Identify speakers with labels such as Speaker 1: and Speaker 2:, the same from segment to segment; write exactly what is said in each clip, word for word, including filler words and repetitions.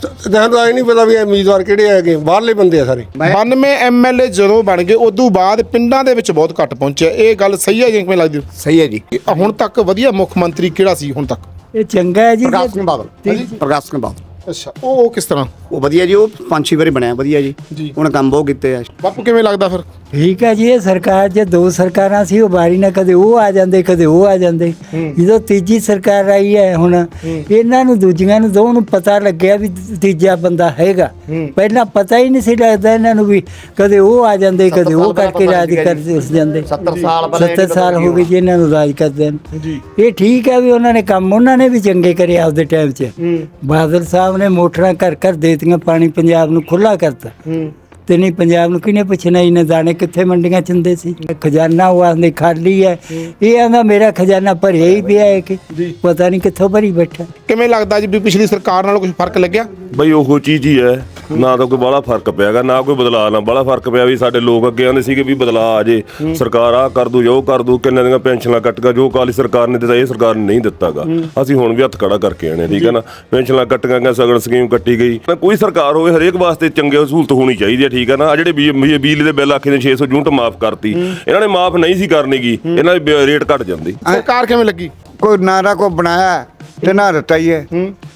Speaker 1: ਸਾਨੂੰ ਆਏ ਨਹੀਂ ਪਤਾ ਵੀ ਉਮੀਦਵਾਰ ਕਿਹੜੇ ਹੈਗੇ, ਬਾਹਰਲੇ ਬੰਦੇ ਆ ਸਾਰੇ।
Speaker 2: ਬਾਨਵੇਂ ਐਮ ਐਲ ਏ ਜਦੋਂ ਬਣ ਗਏ ਉਦੋਂ ਬਾਅਦ ਪਿੰਡਾਂ ਦੇ ਵਿੱਚ ਬਹੁਤ ਘੱਟ ਪਹੁੰਚਿਆ, ਇਹ ਗੱਲ ਸਹੀ ਹੈ ਜੀ? ਕਿਵੇਂ ਲੱਗਦੀ?
Speaker 3: ਸਹੀ ਹੈ ਜੀ।
Speaker 2: ਹੁਣ ਤੱਕ ਵਧੀਆ ਮੁੱਖ ਮੰਤਰੀ ਕਿਹੜਾ ਸੀ ਹੁਣ ਤੱਕ?
Speaker 4: ਇਹ ਚੰਗਾ ਹੈ ਜੀ।
Speaker 3: ਪ੍ਰਕਾਸ਼ ਸਿੰਘ ਬਾਦਲ। ਪ੍ਰਕਾਸ਼ ਸਿੰਘ ਬਾਦਲ।
Speaker 2: ਅੱਛਾ, ਉਹ ਕਿਸ ਤਰ੍ਹਾਂ?
Speaker 3: ਉਹ ਵਧੀਆ ਜੀ, ਉਹ ਪੰਜ ਛੇ ਵਾਰੀ ਬਣਿਆ ਵਧੀਆ ਜੀ
Speaker 2: ਜੀ।
Speaker 3: ਉਹਨੇ ਕੰਮ ਬਹੁਤ ਕੀਤੇ ਆ।
Speaker 2: ਬਾਪੂ ਕਿਵੇਂ ਲੱਗਦਾ ਫਿਰ?
Speaker 4: ਠੀਕ ਹੈ ਜੀ। ਇਹ ਸਰਕਾਰ ਜੇ ਦੋ ਸਰਕਾਰਾਂ ਸੀ, ਉਹ ਵਾਰੀ ਨਾ ਕਦੇ ਉਹ ਆ ਜਾਂਦੇ ਕਦੇ ਉਹ ਆ ਜਾਂਦੇ। ਜਦੋਂ ਤੀਜੀ ਸਰਕਾਰ ਆਈ ਹੈ ਹੁਣ, ਇਹਨਾਂ ਨੂੰ ਦੂਜੀਆਂ ਨੂੰ ਦੋ ਨੂੰ ਪਤਾ ਲੱਗਿਆ ਵੀ ਤੀਜਾ ਬੰਦਾ ਹੈਗਾ। ਪਹਿਲਾਂ ਪਤਾ ਹੀ ਨਹੀਂ ਸੀ ਲੱਗਦਾ ਇਹਨਾਂ ਨੂੰ ਵੀ ਕਦੇ ਉਹ ਆ ਜਾਂਦੇ ਕਦੇ ਉਹ ਕਰਕੇ ਰਾਜ ਕਰਦੇ ਜਾਂਦੇ।
Speaker 3: ਸੱਤਰ ਸਾਲ
Speaker 4: ਸੱਤਰ ਸਾਲ ਹੋ ਗਏ ਜੀ ਇਹਨਾਂ ਨੂੰ ਰਾਜ ਕਰਦੇ ਨੂੰ। ਇਹ ਠੀਕ ਹੈ ਵੀ ਉਹਨਾਂ ਨੇ ਕੰਮ ਉਹਨਾਂ ਨੇ ਵੀ ਚੰਗੇ ਕਰੇ ਆਪਦੇ ਟਾਈਮ 'ਚ। ਬਾਦਲ ਸਾਹਿਬ ਨੇ ਮੋਟਰਾਂ ਘਰ ਘਰ ਦੇਤੀਆਂ, ਪਾਣੀ ਪੰਜਾਬ ਨੂੰ ਖੁੱਲ੍ਹਾ ਕਰਤਾ। ਤੇ ਨਹੀਂ ਪੰਜਾਬ ਨੂੰ ਕਿਹਨੇ ਪੁੱਛਣਾ ਇਹਨੇ ਦਾਣੇ ਕਿੱਥੇ ਮੰਡੀਆਂ 'ਚ ਹੁੰਦੇ ਸੀ। ਖਜ਼ਾਨਾ ਉਹ ਆਂਦੇ ਖਾਲੀ ਹੈ, ਇਹ ਆਂਦਾ ਮੇਰਾ ਖਜ਼ਾਨਾ ਭਰਿਆ ਹੀ ਪਿਆ ਹੈ ਕਿ ਪਤਾ ਨਹੀਂ ਕਿੱਥੋਂ ਭਰੀ ਬੈਠਾ।
Speaker 2: ਕਿਵੇਂ ਲੱਗਦਾ ਜੀ ਵੀ ਪਿਛਲੀ ਸਰਕਾਰ ਨਾਲੋਂ ਕੁਝ ਫਰਕ ਲੱਗਿਆ?
Speaker 5: ਬਈ ਉਹੋ ਚੀਜ਼ ਹੀ ਹੈ, ਨਾ ਤਾਂ ਕੋਈ ਬਾਹਲਾ ਫਰਕ ਪਿਆਗਾ, ਨਾ ਕੋਈ ਬਦਲਾਅ ਨਾ ਬਾਹਲਾ ਫਰਕ ਪਿਆ। ਵੀ ਸਾਡੇ ਲੋਕ ਅੱਗੇ ਆਉਂਦੇ ਸੀਗੇ ਵੀ ਬਦਲਾਅ ਆ ਜੇ, ਸਰਕਾਰ ਆ ਕਰ ਦੂ ਜੋ ਕਰ ਦੂ, ਕਿੰਨੇ ਦੀਆਂ ਪੈਨਸ਼ਨਾਂ ਕੱਟਗਾ, ਜੋ ਕਾਲੀ ਸਰਕਾਰ ਨੇ ਦਿੱਤਾ ਇਹ ਸਰਕਾਰ ਨੇ ਨਹੀਂ ਦਿੱਤਾਗਾ। ਅਸੀਂ ਹੁਣ ਵੀ ਹੱਥ ਖੜਾ ਕਰਕੇ ਆਣੇ, ਠੀਕ ਹੈ ਨਾ। ਪੈਨਸ਼ਨਾਂ ਕੱਟੀਆਂ ਗਈਆਂ, ਸਗਨ ਸਕੀਮ ਕੱਟੀ ਗਈ। ਕੋਈ ਸਰਕਾਰ ਹੋਵੇ ਹਰੇਕ ਵਾਸਤੇ ਚੰਗੇ ਸਹੂਲਤ ਹੋਣੀ ਚਾਹੀਦੀ ਹੈ, ਠੀਕ ਹੈ ਨਾ। ਆ ਜਿਹੜੇ ਬਿਜਲੀ ਦੇ ਬਿੱਲ ਆਖੇ ਨੇ ਛੇ ਸੌ ਯੂਨਿਟ ਮਾਫ ਕਰਤੀ, ਇਹਨਾਂ ਨੇ ਮਾਫ ਨਹੀਂ ਸੀ ਕਰਨੀਗੀ, ਇਹਨਾਂ ਦੇ ਰੇਟ ਘਟ ਜਾਂਦੇ।
Speaker 2: ਸਰਕਾਰ ਕਿਵੇਂ ਲੱਗੀ?
Speaker 6: ਕੋਈ ਨਾਰਾ ਕੋ ਬਣਾਇਆ ਤੇ ਨਾ ਦਿੱਤਾ ਹੀ ਹੈ।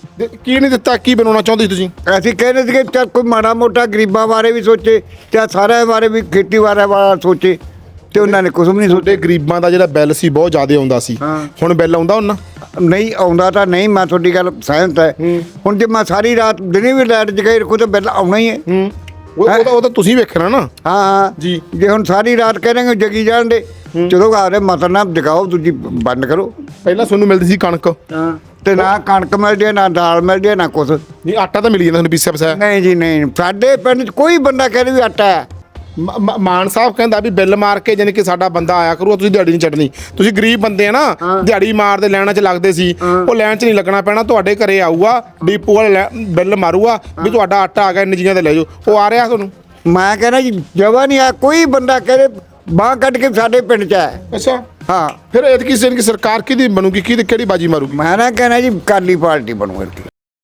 Speaker 2: ਕੀ ਨਹੀਂ ਦਿੱਤਾ? ਕੀ ਬਣਾਉਣਾ ਚਾਹੁੰਦੇ ਤੁਸੀਂ?
Speaker 6: ਅਸੀਂ ਕਹਿੰਦੇ ਸੀ ਕਿ ਚੱਲ ਕੋਈ ਮਾੜਾ ਮੋਟਾ ਗਰੀਬਾਂ ਬਾਰੇ ਵੀ ਸੋਚੇ ਤੇ ਸਾਰਿਆਂ ਬਾਰੇ ਵੀ, ਖੇਤੀ ਬਾਰੇ ਵਾਲਾ ਸੋਚੇ, ਤੇ ਉਹਨਾਂ ਨੇ ਕੁਝ ਵੀ ਨਹੀਂ ਸੋਚਿਆ।
Speaker 2: ਗਰੀਬਾਂ ਦਾ ਜਿਹੜਾ ਬਿੱਲ ਸੀ ਬਹੁਤ ਜ਼ਿਆਦਾ ਆਉਂਦਾ ਸੀ, ਹੁਣ ਬਿੱਲ ਆਉਂਦਾ ਉਹਨਾਂ?
Speaker 6: ਨਹੀਂ ਆਉਂਦਾ ਤਾਂ ਨਹੀਂ, ਮੈਂ ਤੁਹਾਡੀ ਗੱਲ ਸਹਿਮਤ ਹੈ। ਹੁਣ ਜੇ ਮੈਂ ਸਾਰੀ ਰਾਤ ਦਿਨੇ ਵੀ ਲਾਈਟ ਜਗਾਈ ਰੱਖੂ ਤਾਂ ਬਿੱਲ ਆਉਣਾ ਹੀ ਹੈ।
Speaker 2: ਉਹ ਤਾਂ ਉਹ ਤਾਂ ਤੁਸੀਂ ਵੇਖਣਾ ਨਾ।
Speaker 6: ਹਾਂ ਹਾਂ
Speaker 2: ਜੀ।
Speaker 6: ਜੇ ਹੁਣ ਸਾਰੀ ਰਾਤ ਕਹਿੰਦੇ ਜਗੀ ਜਾਣ ਦੇ, ਚਲੋ ਆਰੇ ਮਤਲਬ ਨਾ ਜਗਾਓ, ਦੂਜੀ ਬੰਦ ਕਰੋ।
Speaker 2: ਪਹਿਲਾਂ ਤੁਹਾਨੂੰ ਮਿਲਦੀ ਸੀ ਕਣਕ,
Speaker 6: ਤੇ ਨਾ ਕਣਕ ਮਿਲਦੀ ਹੈ, ਨਾ ਦਾਲ ਮਿਲਦੀ ਹੈ, ਨਾ ਕੁਛ।
Speaker 2: ਨਹੀਂ ਆਟਾ ਤਾਂ ਮਿਲੀ ਜਾਂਦਾ ਤੁਹਾਨੂੰ ਪੀਸਿਆ ਪਸਾਇਆ?
Speaker 6: ਨਹੀਂ ਜੀ ਨਹੀਂ, ਸਾਡੇ ਪਿੰਡ 'ਚ ਕੋਈ ਬੰਦਾ ਕਹਿੰਦੇ ਵੀ ਆਟਾ ਹੈ।
Speaker 2: ਮਾਨ ਸਾਹਿਬ ਕਹਿੰਦਾ ਵੀ ਬਿੱਲ ਮਾਰ ਕੇ ਜਾਨੀ ਕਿ ਸਾਡਾ ਬੰਦਾ ਆਇਆ ਕਰੂ, ਤੁਸੀਂ ਦਿਹਾੜੀ ਨਹੀਂ ਛੱਡਣੀ। ਤੁਸੀਂ ਗਰੀਬ ਬੰਦੇ ਆ ਨਾ, ਦਿਹਾੜੀ ਮਾਰਦੇ ਲੈਣਾ 'ਚ ਲੱਗਦੇ ਸੀ, ਉਹ ਲੈਣ 'ਚ ਨਹੀਂ ਲੱਗਣਾ ਪੈਣਾ, ਤੁਹਾਡੇ ਘਰੇ ਆਊਗਾ ਡੀਪੂ ਵਾਲਾ ਬਿੱਲ ਮਾਰੂਗਾ ਵੀ ਤੁਹਾਡਾ ਆਟਾ ਆ ਗਿਆ, ਇੰਨੀ ਚੀਜ਼ਾਂ ਤੇ ਲੈ ਜਾਓ। ਉਹ ਆ ਰਿਹਾ ਤੁਹਾਨੂੰ?
Speaker 6: ਮੈਂ ਕਹਿੰਦਾ ਜੀ ਜਵਾ ਨਹੀਂ ਆ, ਕੋਈ ਬੰਦਾ ਕਹਿੰਦੇ ਬਾਂਹ ਕੱਢ ਕੇ ਸਾਡੇ ਪਿੰਡ 'ਚ ਹੈ।
Speaker 2: ਅੱਛਾ
Speaker 6: ਹਾਂ,
Speaker 2: ਫਿਰ ਇਹ ਕਿਸੇ ਦੀ ਸਰਕਾਰ ਕਿਹਦੀ ਬਣੂਗੀ, ਕਿਹਦੀ ਕਿਹੜੀ ਬਾਜੀ ਮਾਰੂਗੀ?
Speaker 6: ਮੈਂ ਨਾ ਕਹਿਣਾ ਜੀ ਕਾਲੀ ਪਾਰਟੀ ਬਣੂਗੀ।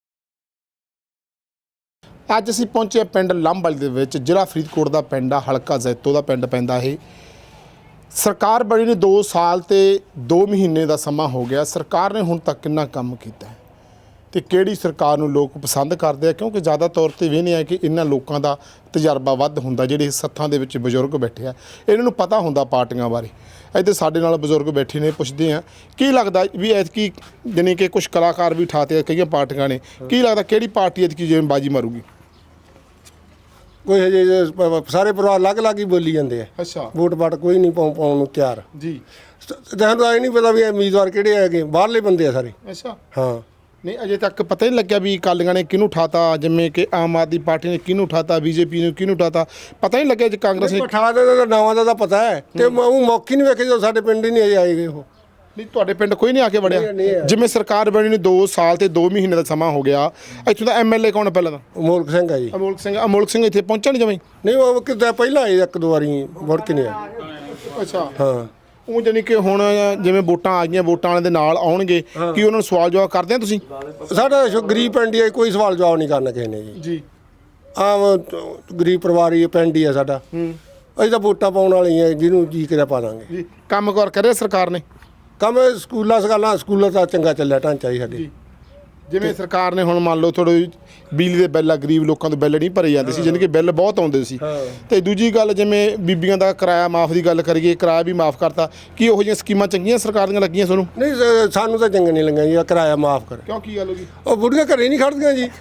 Speaker 2: ਅੱਜ ਅਸੀਂ ਪਹੁੰਚੇ ਪਿੰਡ ਲੰਬਲ ਦੇ ਵਿੱਚ, ਜ਼ਿਲ੍ਹਾ ਫਰੀਦਕੋਟ ਦਾ ਪਿੰਡ ਆ, ਹਲਕਾ ਜ਼ੈਤੋ ਦਾ ਪਿੰਡ ਪੈਂਦਾ ਇਹ। ਸਰਕਾਰ ਬਣੀ ਨੂੰ ਦੋ ਸਾਲ ਤੇ ਦੋ ਮਹੀਨੇ ਦਾ ਸਮਾਂ ਹੋ ਗਿਆ। ਸਰਕਾਰ ਨੇ ਹੁਣ ਤੱਕ ਕਿੰਨਾ ਕੰਮ ਕੀਤਾ ਹੈ ਤੇ ਕਿਹੜੀ ਸਰਕਾਰ ਨੂੰ ਲੋਕ ਪਸੰਦ ਕਰਦੇ ਆ? ਕਿਉਂਕਿ ਜ਼ਿਆਦਾ ਤੌਰ ਤੇ ਵੇਖਦੇ ਆ ਕਿ ਇਹਨਾਂ ਲੋਕਾਂ ਦਾ ਤਜਰਬਾ ਵੱਧ ਹੁੰਦਾ, ਜਿਹੜੇ ਸੱਥਾਂ ਦੇ ਵਿੱਚ ਬਜ਼ੁਰਗ ਬੈਠੇ ਆ, ਇਹਨਾਂ ਨੂੰ ਪਤਾ ਹੁੰਦਾ ਪਾਰਟੀਆਂ ਬਾਰੇ। ਇੱਥੇ ਸਾਡੇ ਨਾਲ ਬਜ਼ੁਰਗ ਬੈਠੇ ਨੇ, ਪੁੱਛਦੇ ਆ ਕੀ ਲੱਗਦਾ ਵੀ ਐਤਕੀ, ਜਾਣੀ ਕਿ ਕੁਝ ਕਲਾਕਾਰ ਵੀ ਠਾਤੇ ਕਈਆਂ ਪਾਰਟੀਆਂ ਨੇ, ਕੀ ਲੱਗਦਾ ਕਿਹੜੀ ਪਾਰਟੀ ਐਤਕੀ ਜਿਵੇਂ ਬਾਜੀ ਮਾਰੂਗੀ?
Speaker 1: ਕੋਈ ਹਜੇ ਸਾਰੇ ਪਰਿਵਾਰ ਅਲੱਗ ਅਲੱਗ ਹੀ ਬੋਲੀ ਜਾਂਦੇ ਆ।
Speaker 2: ਅੱਛਾ,
Speaker 1: ਵੋਟ ਪਾਟ ਕੋਈ ਨਹੀਂ ਪਾਉ ਪਾਉਣ ਨੂੰ ਤਿਆਰ
Speaker 2: ਜੀ।
Speaker 1: ਸਾਨੂੰ ਆਏ ਨਹੀਂ ਪਤਾ ਵੀ ਉਮੀਦਵਾਰ ਕਿਹੜੇ ਹੈਗੇ, ਬਾਹਰਲੇ ਬੰਦੇ ਆ ਸਾਰੇ।
Speaker 2: ਅੱਛਾ,
Speaker 1: ਹਾਂ।
Speaker 2: ਨਹੀਂ ਅਜੇ ਤੱਕ ਪਤਾ ਨਹੀਂ ਲੱਗਿਆ ਵੀ ਅਕਾਲੀਆਂ ਨੇ ਕਿਹਨੂੰ ਉਠਾਤਾ, ਜਿਵੇਂ ਕਿ ਆਮ ਆਦਮੀ ਪਾਰਟੀ ਨੇ ਕਿਹਨੂੰ ਉਠਾਤਾ, ਬੀਜੇਪੀ ਨੇ ਕਿਹਨੂੰ ਉਠਾਤਾ, ਪਤਾ ਨਹੀਂ ਲੱਗਿਆ ਜੇ ਕਾਂਗਰਸ ਨੇ।
Speaker 1: ਪਠਾ ਦੇ ਤਾਂ ਨਾਵਾਂ ਦਾ ਤਾਂ ਪਤਾ ਹੈ, ਤੇ ਉਹ ਮੌਕੇ ਨਹੀਂ ਵੇਖੇ ਜਦੋਂ ਸਾਡੇ ਪਿੰਡ ਹੀ ਨਹੀਂ ਅਜੇ ਆਏ ਗਏ। ਉਹ
Speaker 2: ਨਹੀਂ ਤੁਹਾਡੇ ਪਿੰਡ ਕੋਈ ਨਹੀਂ ਆ ਕੇ ਵੜਿਆ? ਜਿਵੇਂ ਸਰਕਾਰ ਬਣੀ ਨੂੰ ਦੋ ਸਾਲ ਤੇ ਦੋ ਮਹੀਨੇ ਦਾ ਸਮਾਂ ਹੋ ਗਿਆ, ਇੱਥੋਂ ਦਾ ਐਮ ਐਲ ਏ ਕੌਣ ਪਹਿਲਾਂ ਦਾ?
Speaker 1: ਅਮੋਲਕ ਸਿੰਘ ਆ ਜੀ।
Speaker 2: ਅਮੋਲਕ ਸਿੰਘ। ਅਮੋਲਕ ਸਿੰਘ ਇੱਥੇ ਪਹੁੰਚਿਆ ਨਹੀਂ ਜਮਾਂ?
Speaker 1: ਨਹੀਂ, ਉਹ ਕਿਤੇ ਪਹਿਲਾਂ ਆਏ ਇੱਕ ਦੋ ਵਾਰੀ, ਮੁੜ ਕੇ ਨਹੀਂ ਆਏ।
Speaker 2: ਅੱਛਾ,
Speaker 1: ਹਾਂ।
Speaker 2: ਉਹ ਜਾਨੀ ਕਿ ਹੁਣ ਜਿਵੇਂ ਵੋਟਾਂ ਆ ਗਈਆਂ, ਵੋਟਾਂ ਵਾਲੇ ਦੇ ਨਾਲ ਆਉਣਗੇ, ਕੀ ਉਹਨਾਂ ਨੂੰ ਸਵਾਲ ਜਵਾਬ ਕਰਦੇ ਆ ਤੁਸੀਂ?
Speaker 1: ਸਾਡਾ ਗਰੀਬ ਪਿੰਡ ਹੀ, ਕੋਈ ਸਵਾਲ ਜਵਾਬ ਨਹੀਂ ਕਰਨਾ ਕਿਸੇ ਨੇ ਜੀ।
Speaker 2: ਜੀ।
Speaker 1: ਆਮ ਗਰੀਬ ਪਰਿਵਾਰ ਹੀ ਪਿੰਡ ਹੀ ਆ ਸਾਡਾ। ਅਸੀਂ ਤਾਂ ਵੋਟਾਂ ਪਾਉਣ ਵਾਲੇ ਹੀ ਆ, ਜਿਹਨੂੰ ਜੀ ਕਰਿਆ ਪਾ ਦਾਂਗੇ
Speaker 2: ਜੀ। ਕੰਮ ਕਾਰ ਕਰਿਆ ਸਰਕਾਰ ਨੇ?
Speaker 1: ਕੰਮ ਸਕੂਲਾਂ ਸਕਾਲਾਂ ਸਕੂਲਾਂ ਦਾ ਚੰਗਾ ਚੱਲਿਆ ਢਾਂਚਾ ਹੀ ਸਾਡੇ।
Speaker 2: ਜਿਵੇਂ ਸਰਕਾਰ ਨੇ ਹੁਣ ਮੰਨ ਲਓ ਥੋੜ੍ਹੇ ਬਿਜਲੀ ਦੇ ਬਿੱਲ ਆ, ਗਰੀਬ ਲੋਕਾਂ ਦੇ ਬਿੱਲ ਨਹੀਂ ਭਰੇ ਜਾਂਦੇ ਸੀ, ਜਾਣੀ ਕਿ ਬਿੱਲ ਬਹੁਤ ਆਉਂਦੇ ਸੀ। ਤੇ ਦੂਜੀ ਗੱਲ, ਜਿਵੇਂ ਬੀਬੀਆਂ ਦਾ ਕਿਰਾਇਆ ਮਾਫ ਦੀ ਗੱਲ ਕਰੀਏ, ਕਿਰਾਇਆ ਵੀ ਮਾਫ ਕਰਤਾ, ਕੀ ਉਹੋ ਜਿਹੀਆਂ ਸਕੀਮਾਂ ਚੰਗੀਆਂ ਸਰਕਾਰ ਦੀਆਂ ਲੱਗੀਆਂ ਤੁਹਾਨੂੰ?
Speaker 1: ਨਹੀਂ, ਸਾਨੂੰ ਤਾਂ ਚੰਗੇ ਨਹੀਂ ਲੱਗੀਆਂ ਜੀ, ਕਿਰਾਇਆ ਮਾਫ ਕਰ।
Speaker 2: ਕਿਉਂ, ਕੀ ਗੱਲ ਹੋ ਗਈ? ਉਹ
Speaker 1: ਬੁੜੀਆਂ ਘਰੇ ਨਹੀਂ ਖੜਦੀਆਂ ਜੀ।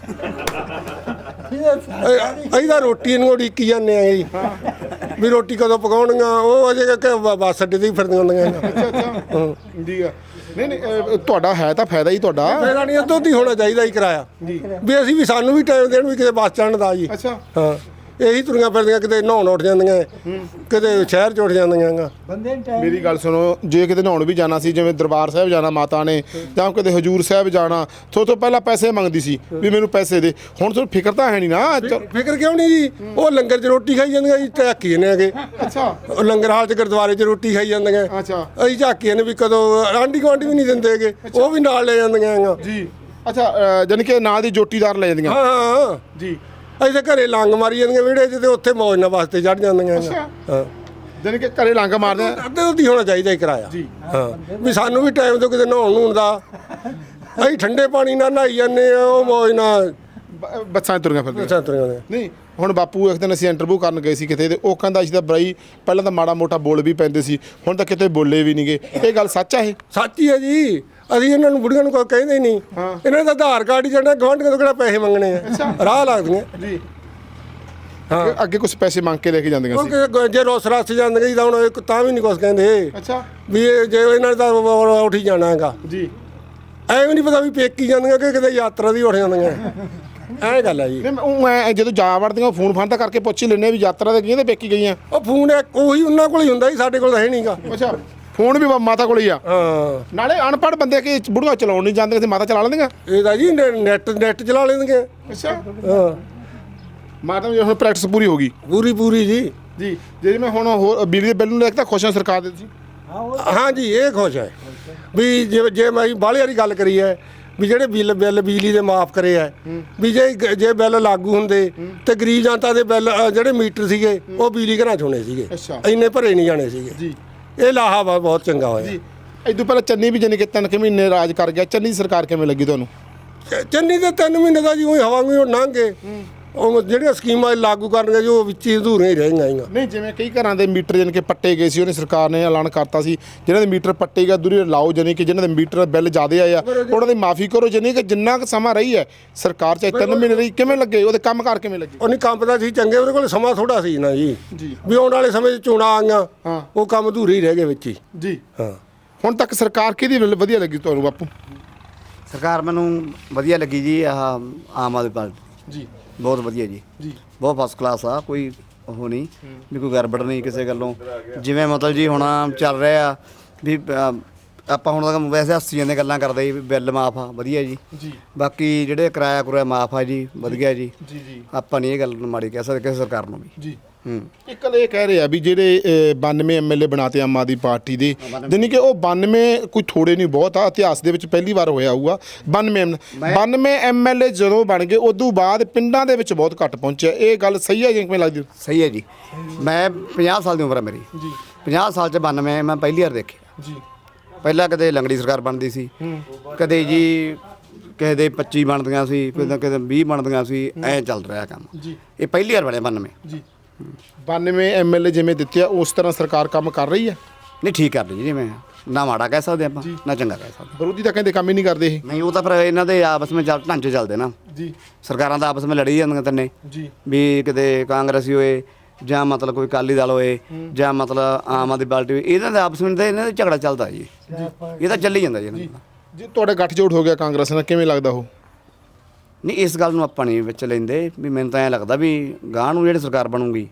Speaker 1: ਅਸੀਂ ਤਾਂ ਰੋਟੀ ਨੂੰ ਉਡੀਕੀ ਜਾਂਦੇ ਆ ਜੀ, ਵੀ ਰੋਟੀ ਕਦੋਂ ਪਕਾਉਣਗੀਆਂ। ਉਹ ਅਜੇ ਕਿ ਬੱਸ ਅੱਡੇ ਤੇ ਹੀ ਫਿਰਦੀਆਂ ਹੁੰਦੀਆਂ।
Speaker 2: ਅੱਛਾ ਅੱਛਾ, ਠੀਕ ਆ। ਨਹੀਂ ਨਹੀਂ, ਤੁਹਾਡਾ ਹੈ ਤਾਂ ਫਾਇਦਾ ਹੀ ਤੁਹਾਡਾ।
Speaker 1: ਫਾਇਦਾ ਨਹੀਂ, ਦੁੱਧ ਹੀ ਹੋਣਾ ਚਾਹੀਦਾ ਜੀ ਕਿਰਾਇਆ, ਵੀ ਅਸੀਂ ਵੀ ਸਾਨੂੰ ਵੀ ਟਾਈਮ ਦੇਣ, ਵੀ ਕਿਤੇ ਬੱਸ ਚੜ੍ਹਨ ਦਾ ਜੀ।
Speaker 2: ਅੱਛਾ,
Speaker 1: ਹਾਂ। ਇਹੀ ਤੁਰੀਆਂ ਫਿਰਦੀਆਂ, ਕਿਤੇ ਨਹਾਉਣ ਉੱਠ ਜਾਂਦੀਆਂ, ਕਿਤੇ ਸ਼ਹਿਰ 'ਚ ਉੱਠ ਜਾਂਦੀਆਂ ਗਾ।
Speaker 2: ਮੇਰੀ ਗੱਲ ਸੁਣੋ, ਜੇ ਕਿਤੇ ਨਹਾਉਣ ਵੀ ਜਾਣਾ ਸੀ, ਜਿਵੇਂ ਦਰਬਾਰ ਸਾਹਿਬ ਜਾਣਾ ਮਾਤਾ ਨੇ, ਜਾਂ ਕਿਤੇ ਹਜੂਰ ਸਾਹਿਬ ਜਾਣਾ, ਥੋ ਤੋਂ ਪਹਿਲਾਂ ਪੈਸੇ ਮੰਗਦੀ ਸੀ ਵੀ ਮੈਨੂੰ ਪੈਸੇ ਦੇ। ਹੁਣ ਤੁਹਾਨੂੰ ਫਿਕਰ ਤਾਂ ਹੈ ਨਹੀਂ ਨਾ?
Speaker 1: ਫਿਕਰ ਕਿਉਂ ਨਹੀਂ ਜੀ? ਉਹ ਲੰਗਰ 'ਚ ਰੋਟੀ ਖਾਈ ਜਾਂਦੀਆਂ ਜੀ, ਝਾਕੀ ਨੇ ਹੈਗੇ।
Speaker 2: ਅੱਛਾ,
Speaker 1: ਉਹ ਲੰਗਰ ਹਾਲ 'ਚ ਗੁਰਦੁਆਰੇ 'ਚ ਰੋਟੀ ਖਾਈ ਜਾਂਦੀਆਂ।
Speaker 2: ਅੱਛਾ,
Speaker 1: ਅਸੀਂ ਝਾਕੀਆਂ ਨੇ ਵੀ ਕਦੋਂ ਆਂਢੀ ਗੁਆਂਢੀ ਵੀ ਨਹੀਂ ਦਿੰਦੇ ਹੈਗੇ, ਉਹ ਵੀ ਨਾਲ ਲੈ ਜਾਂਦੀਆਂ ਹੈਗਾ
Speaker 2: ਜੀ। ਅੱਛਾ ਅ, ਜਾਣੀ ਕਿ ਨਾਲ ਦੀ ਜੋਟੀਦਾਰ ਲੈ ਜਾਂਦੀਆਂ
Speaker 1: ਹਾਂ ਹਾਂ
Speaker 2: ਜੀ
Speaker 1: ਅਸੀਂ ਤਾਂ ਘਰੇ ਲੰਗ ਮਾਰੀ ਜਾਂਦੀਆਂ ਵਿਹੜੇ 'ਚ ਤੇ ਉੱਥੇ ਮੌਜ ਨਾਲ ਵਾਸਤੇ ਚੜ ਜਾਂਦੀਆਂ
Speaker 2: ਅੱਛਾ।
Speaker 1: ਹਾਂ
Speaker 2: ਜਾਣੀ ਕਿ ਘਰੇ ਲਾਂਗਾ ਮਾਰਦੇ ਆ
Speaker 1: ਅੱਧੇ ਉੱਦੀ ਹੋਣਾ ਚਾਹੀਦਾ ਹੀ ਕਿਰਾਇਆ
Speaker 2: ਜੀ।
Speaker 1: ਹਾਂ ਵੀ ਸਾਨੂੰ ਵੀ ਟਾਈਮ ਤੋਂ ਕਿਤੇ ਨਹਾਉਣ ਨੂੰ ਹੁੰਦਾ ਅਸੀਂ ਠੰਡੇ ਪਾਣੀ ਨਾਲ ਨਹਾਈ ਜਾਂਦੇ ਆ ਉਹ ਮੌਜ ਨਾਲ
Speaker 2: ਬ- ਬੱਸਾਂ 'ਚ ਤੁਰੀਆਂ ਫਿਰਦੀਆਂ
Speaker 1: ਛਾਤਰੀਆਂ ਦੇ
Speaker 2: ਨਹੀਂ ਹੁਣ ਬਾਪੂ ਇੱਕ ਦਿਨ ਅਸੀਂ ਇੰਟਰਵਿਊ ਕਰਨ ਗਏ ਸੀ ਕਿਤੇ ਤੇ ਉਹ ਕਹਿੰਦਾ ਅਸੀਂ ਤਾਂ ਬੜੀ ਪਹਿਲਾਂ ਤਾਂ ਮਾੜਾ ਮੋਟਾ ਬੋਲ ਵੀ ਪੈਂਦੇ ਸੀ ਹੁਣ ਤਾਂ ਕਿਤੇ ਬੋਲੇ ਵੀ ਨਹੀਂਗੇ ਇਹ ਗੱਲ ਸੱਚ ਆ ਇਹ
Speaker 1: ਸੱਚ ਹੀ ਹੈ ਜੀ ਅਸੀਂ ਇਹਨਾਂ ਨੂੰ ਬੁੜੀਆਂ ਨੂੰ ਕੋਈ ਕਹਿੰਦੇ ਹੀ ਨਹੀਂ ਇਹਨਾਂ ਦਾ ਆਧਾਰ ਕਾਰਡ ਹੀ ਜਾਣਾ ਗਵਾਂਢੀਆਂ ਤੋਂ ਕਿਹੜਾ ਪੈਸੇ ਮੰਗਣੇ ਆ ਰਾਹ ਲੱਗਦੀਆਂ
Speaker 2: ਜੀ
Speaker 1: ਹਾਂ
Speaker 2: ਅੱਗੇ- ਅੱਗੇ ਕੁਝ ਪੈਸੇ ਮੰਗ ਕੇ ਲੈ ਕੇ ਜਾਂਦੀਆਂ
Speaker 1: ਉਹ
Speaker 2: ਸੀ
Speaker 1: ਕਿ- ਜੇ ਰੋਸ ਰਸ ਜਾਂਦੇ ਜੀ ਤਾਂ ਹੁਣ ਇਹ ਤਾਂ ਵੀ ਨਹੀਂ ਕੁਛ ਕਹਿੰਦੇ
Speaker 2: ਅੱਛਾ
Speaker 1: ਵੀ ਇਹ ਜੇ ਇਹਨਾਂ ਦਾ ਉੱਠ ਹੀ ਜਾਣਾ ਹੈਗਾ
Speaker 2: ਜੀ
Speaker 1: ਐਵੇਂ ਨਹੀਂ ਪਤਾ ਵੀ ਪੇਕੀ ਜਾਂਦੀਆਂ ਕਿ ਕਿਤੇ ਯਾਤਰਾ ਦੀ ਉੱਠ ਜਾਂਦੀਆਂ ਐਂ ਗੱਲ ਹੈ ਜੀ
Speaker 2: ਨਹੀਂ ਮੈਂ ਉਹ ਐਂ ਜਦੋਂ ਜਾ ਵੜਦੀਆਂ ਫੋਨ ਫਾਨ ਤਾਂ ਕਰਕੇ ਪੁੱਛ ਹੀ ਲੈਂਦੇ ਵੀ ਯਾਤਰਾ ਤੇ ਗਈਆਂ ਤੇ ਪੇਕੀ ਗਈਆਂ
Speaker 1: ਉਹ ਫੋਨ ਇੱਕ ਉਹੀ ਉਹਨਾਂ ਕੋਲ ਹੀ ਹੁੰਦਾ ਜੀ ਸਾਡੇ ਕੋਲ ਤਾਂ ਹੈ ਨਹੀਂਗਾ
Speaker 2: ਅੱਛਾ ਫੋਨ ਵੀ ਮਾਤਾ ਕੋਲ ਹੀ ਆ
Speaker 1: ਹਾਂ
Speaker 2: ਨਾਲੇ ਅਨਪੜ੍ਹ ਬੰਦੇ ਕਿ ਬੁੜੀਆਂ ਚਲਾਉਣ ਨਹੀਂ ਜਾਂਦੇ ਤੇ ਮਾਤਾ ਚਲਾ ਲੈਂਦੀਆਂ
Speaker 1: ਇਹ ਤਾਂ ਜੀ ਨੈਟ ਨੈਟ ਚਲਾ ਲੈਂਦੀਆਂ
Speaker 2: ਅੱਛਾ
Speaker 1: ਹਾਂ
Speaker 2: ਮਾਤਾ ਨੂੰ ਹੁਣ ਪ੍ਰੈਕਟਿਸ ਪੂਰੀ ਹੋ ਗਈ
Speaker 1: ਪੂਰੀ ਪੂਰੀ ਜੀ
Speaker 2: ਜੀ ਜੇ ਮੈਂ ਹੁਣ ਹੋਰ ਬਿਜਲੀ ਦੇ ਬਿੱਲ ਨੂੰ ਲੈ ਕੇ ਤਾਂ ਖੁਸ਼ ਹਾਂ ਸਰਕਾਰ ਦੇ ਤੁਸੀਂ
Speaker 1: ਹਾਂ ਜੀ ਇਹ ਖੁਸ਼ ਹੈ ਵੀ ਜੇ ਜੇ ਮੈਂ ਬਾਹਲੀ ਵਾਲੀ ਗੱਲ ਕਰੀ ਹੈ ਵੀ ਜਿਹੜੇ ਬਿੱਲ ਬਿੱਲ ਬਿਜਲੀ ਦੇ ਮਾਫ ਕਰੇ ਹੈ ਵੀ ਜੇ ਜੇ ਬਿੱਲ ਲਾਗੂ ਹੁੰਦੇ ਤੇ ਗਰੀਬ ਜਨਤਾ ਦੇ ਬਿੱਲ ਅ, ਜਿਹੜੇ ਮੀਟਰ ਸੀਗੇ ਉਹ ਬਿਜਲੀ ਘਰਾਂ 'ਚ ਹੋਣੇ ਸੀਗੇ
Speaker 2: ਅੱਛਾ।
Speaker 1: ਇੰਨੇ ਭਰੇ ਨਹੀਂ ਜਾਣੇ ਸੀਗੇ
Speaker 2: ਜੀ
Speaker 1: ਇਹ ਲਾਹਾ ਵਾ ਬਹੁਤ ਚੰਗਾ ਹੋਇਆ
Speaker 2: ਜੀ ਇਦੋਂ ਪਹਿਲਾਂ ਚੰਨੀ ਵੀ ਜਾਣੀ ਕਿ ਤਿੰਨ ਕੁ ਮਹੀਨੇ ਰਾਜ ਕਰ ਗਿਆ ਚੰਨੀ ਸਰਕਾਰ ਕਿਵੇਂ ਲੱਗੀ ਤੁਹਾਨੂੰ
Speaker 1: ਚ- ਚੰਨੀ ਦੇ ਤਿੰਨ ਮਹੀਨੇ ਦਾ ਜੀ ਉਹੀ ਹਵਾ ਨੂੰ ਲੰਘ ਗਏ ਉਹ ਜਿਹੜੀਆਂ ਸਕੀਮਾਂ ਲਾਗੂ ਕਰਨਗੇ ਜੋ ਵਿੱਚ ਹੀ ਅਧੂਰੀਆਂ ਹੀ ਰਹਿ ਗਈਆਂ
Speaker 2: ਨਹੀਂ ਜਿਵੇਂ ਕਈ ਘਰਾਂ ਦੇ ਮੀਟਰ ਜਾਣੀ ਕਿ ਪੱਟੇ ਗਏ ਸੀ ਉਹਨੇ ਸਰਕਾਰ ਨੇ ਐਲਾਨ ਕਰਤਾ ਸੀ ਜਿਹਨਾਂ ਦੇ ਮੀਟਰ ਪੱਟੇ ਗਏ ਦੂਰੀ ਲਾਓ ਜਾਣੀ ਕਿ ਜਿਹਨਾਂ ਦੇ ਮੀਟਰ ਬਿੱਲ ਜ਼ਿਆਦੇ ਆਏ ਆ ਉਹਨਾਂ ਦੀ ਮਾਫੀ ਕਰੋ ਜਾਣੀ ਕਿ ਜਿੰਨਾ ਕੁ ਸਮਾਂ ਰਹੀ ਹੈ ਸਰਕਾਰ ਚਾਹੇ ਤਿੰਨ ਮਹੀਨੇ ਰਹੀ ਕਿਵੇਂ ਲੱਗੇ ਉਹਦੇ ਕੰਮ ਕਾਰ ਕਿਵੇਂ ਲੱਗੇ
Speaker 1: ਉਹ ਨਹੀਂ ਕੰਪਦਾ ਸੀ ਚੰਗੇ ਉਹਦੇ ਕੋਲ ਸਮਾਂ ਥੋੜਾ ਸੀ ਨਾ ਜੀ
Speaker 2: ਜੀ।
Speaker 1: ਵੀ ਆਉਣ ਵਾਲੇ ਸਮੇਂ 'ਚ ਚੋਣਾਂ ਆਈਆਂ
Speaker 2: ਹਾਂ।
Speaker 1: ਉਹ ਕੰਮ ਅਧੂਰੇ ਹੀ ਰਹਿ ਗਏ ਵਿੱਚ ਹੀ
Speaker 2: ਜੀ
Speaker 1: ਹਾਂ
Speaker 2: ਹੁਣ ਤੱਕ ਸਰਕਾਰ ਕਿਹਦੀ ਵੱਲ ਵਧੀਆ ਲੱਗੀ ਤੁਹਾਨੂੰ ਬਾਪੂ
Speaker 3: ਸਰਕਾਰ ਮੈਨੂੰ ਵਧੀਆ ਲੱਗੀ ਜੀ ਆਹ ਆਮ ਆਦਮੀ ਪਾਰਟੀ
Speaker 2: ਜੀ
Speaker 3: ਬਹੁਤ ਵਧੀਆ ਜੀ
Speaker 2: ਜੀ
Speaker 3: ਬਹੁਤ ਫਸਟ ਕਲਾਸ ਆ ਕੋਈ ਉਹ ਨਹੀਂ ਵੀ ਕੋਈ ਗੜਬੜ ਨਹੀਂ ਕਿਸੇ ਗੱਲੋਂ ਜਿਵੇਂ ਮਤਲਬ ਜੀ ਹੁਣ ਚੱਲ ਰਿਹਾ ਵੀ ਅ, ਆਪਾਂ ਹੁਣ ਤੱਕ ਵੈਸੇ ਹੱਸੀ ਜਾਂਦੇ ਗੱਲਾਂ ਕਰਦੇ ਜੀ ਵੀ ਬਿੱਲ ਮਾਫ ਆ ਵਧੀਆ ਜੀ
Speaker 2: ਜੀ
Speaker 3: ਬਾਕੀ ਜਿਹੜੇ ਕਿਰਾਇਆ ਕੁਰਾਇਆ ਮਾਫ ਆ ਜੀ ਵਧੀਆ ਜੀ
Speaker 2: ਜੀ ਜੀ
Speaker 3: ਆਪਾਂ ਨਹੀਂ ਇਹ ਗੱਲ ਨੂੰ ਮਾੜੀ ਕਹਿ ਸਕਦੇ ਕਿਸੇ ਸਰਕਾਰ ਨੂੰ ਵੀ
Speaker 2: ਜੀ
Speaker 3: ਹੂੰ
Speaker 2: ਇੱਕ ਗੱਲ ਇਹ ਕਹਿ ਰਹੇ ਆ ਵੀ ਜਿਹੜੇ ਅ, ਬਾਨਵੇਂ ਐਮਐਲਏ ਬਣਾਤੇ ਆਮ ਆਦਮੀ ਪਾਰਟੀ ਦੇ ਜਾਣੀ ਕਿ ਉਹ ਬਾਨਵੇਂ ਕੋਈ ਥੋੜੇ ਨਹੀਂ ਬਹੁਤ ਆ ਇਤਿਹਾਸ ਦੇ ਵਿੱਚ ਪਹਿਲੀ ਵਾਰ ਹੋਇਆ ਹੋਊਗਾ ਬਾਨਵੇਂ ਬਾਨਵੇਂ ਐਮਐਲਏ ਜਦੋਂ ਬਣ ਗਏ ਉਦੋਂ ਬਾਅਦ ਪਿੰਡਾਂ ਦੇ ਵਿੱਚ ਬਹੁਤ ਘੱਟ ਪਹੁੰਚਿਆ ਇਹ ਗੱਲ ਸਹੀ ਹੈ ਜੀ ਕਿਵੇਂ ਲੱਗਦੀ
Speaker 3: ਸਹੀ ਹੈ ਜੀ ਮੈਂ ਪੰਜਾਹ ਸਾਲ ਦੀ ਉਮਰ ਹੈ ਮੇਰੀ
Speaker 2: ਜੀ
Speaker 3: ਪੰਜਾਹ ਸਾਲ ਚ ਬਾਨਵੇਂ ਮੈਂ ਪਹਿਲੀ ਵਾਰ ਦੇਖਿਆ
Speaker 2: ਜੀ
Speaker 3: ਪਹਿਲਾਂ ਕਦੇ ਲੰਗੜੀ ਸਰਕਾਰ ਬਣਦੀ ਸੀ ਕਦੇ ਜੀ ਕਿਸੇ ਦੇ ਪੱਚੀ ਬਣਦੀਆਂ ਸੀ ਕਦੇ ਕਦੇ ਵੀਹ ਬਣਦੀਆਂ ਸੀ ਐਂ ਚੱਲ ਰਿਹਾ ਕੰਮ
Speaker 2: ਜੀ
Speaker 3: ਇਹ ਪਹਿਲੀ ਵਾਰ ਬਣਿਆ ਬਾਨਵੇਂ
Speaker 2: ਜੀ ਬਾਨਵੇਂ ਐਮਐਲਏ ਜਿਵੇਂ ਦਿੱਤੇ ਆ ਉਸ ਤਰ੍ਹਾਂ ਸਰਕਾਰ ਕੰਮ ਕਰ ਰਹੀ ਹੈ
Speaker 3: ਨਹੀਂ ਠੀਕ ਕਰ ਰਹੀ ਜੀ ਜਿਵੇਂ ਨਾ ਮਾੜਾ ਕਹਿ ਸਕਦੇ ਆਪਾਂ ਨਾ ਚੰਗਾ ਕਹਿ ਸਕਦੇ
Speaker 2: ਵਿਰੋਧੀ ਤਾਂ ਕਹਿੰਦੇ ਕੰਮ ਹੀ ਨਹੀਂ ਕਰਦੇ ਇਹ
Speaker 3: ਨਹੀਂ ਉਹ ਤਾਂ ਫਿਰ ਇਹਨਾਂ ਦੇ ਆਪਸ ਵਿੱਚ ਚੱਲ ਢਾਂਚੇ ਚੱਲਦੇ ਨਾ
Speaker 2: ਜੀ
Speaker 3: ਸਰਕਾਰਾਂ ਦਾ ਆਪਸ ਵਿੱਚ ਲੜੀ ਜਾਂਦੀਆਂ ਤੰਨੇ
Speaker 2: ਜੀ
Speaker 3: ਵੀ ਕਿਤੇ ਕਾਂਗਰਸੀ ਹੋਏ ਜਾਂ ਮਤਲਬ ਕੋਈ ਅਕਾਲੀ ਦਲ ਹੋਏ ਜਾਂ ਮਤਲਬ ਆਮ ਆਦਮੀ ਪਾਰਟੀ ਹੋਏ ਇਹਨਾਂ ਦੇ ਆਪਸ ਵਿੱਚ ਤਾਂ ਇਹਨਾਂ ਦਾ ਝਗੜਾ ਚੱਲਦਾ ਜੀ ਇਹ ਤਾਂ ਚੱਲੀ ਜਾਂਦਾ ਜੀ ਇਹਨਾਂ ਦਾ
Speaker 2: ਜੇ ਤੁਹਾਡਾ ਗੱਠਜੋੜ ਹੋ ਗਿਆ ਕਾਂਗਰਸ ਨਾਲ ਕਿਵੇਂ ਲੱਗਦਾ ਉਹ
Speaker 3: ਨਹੀਂ ਇਸ ਗੱਲ ਨੂੰ ਆਪਾਂ ਨਹੀਂ ਵਿੱਚ ਲੈਂਦੇ ਵੀ ਮੈਨੂੰ ਤਾਂ ਐਂ ਲੱਗਦਾ ਵੀ ਗਾਂ ਨੂੰ ਜਿਹੜੀ ਸਰਕਾਰ ਬਣੂਗੀ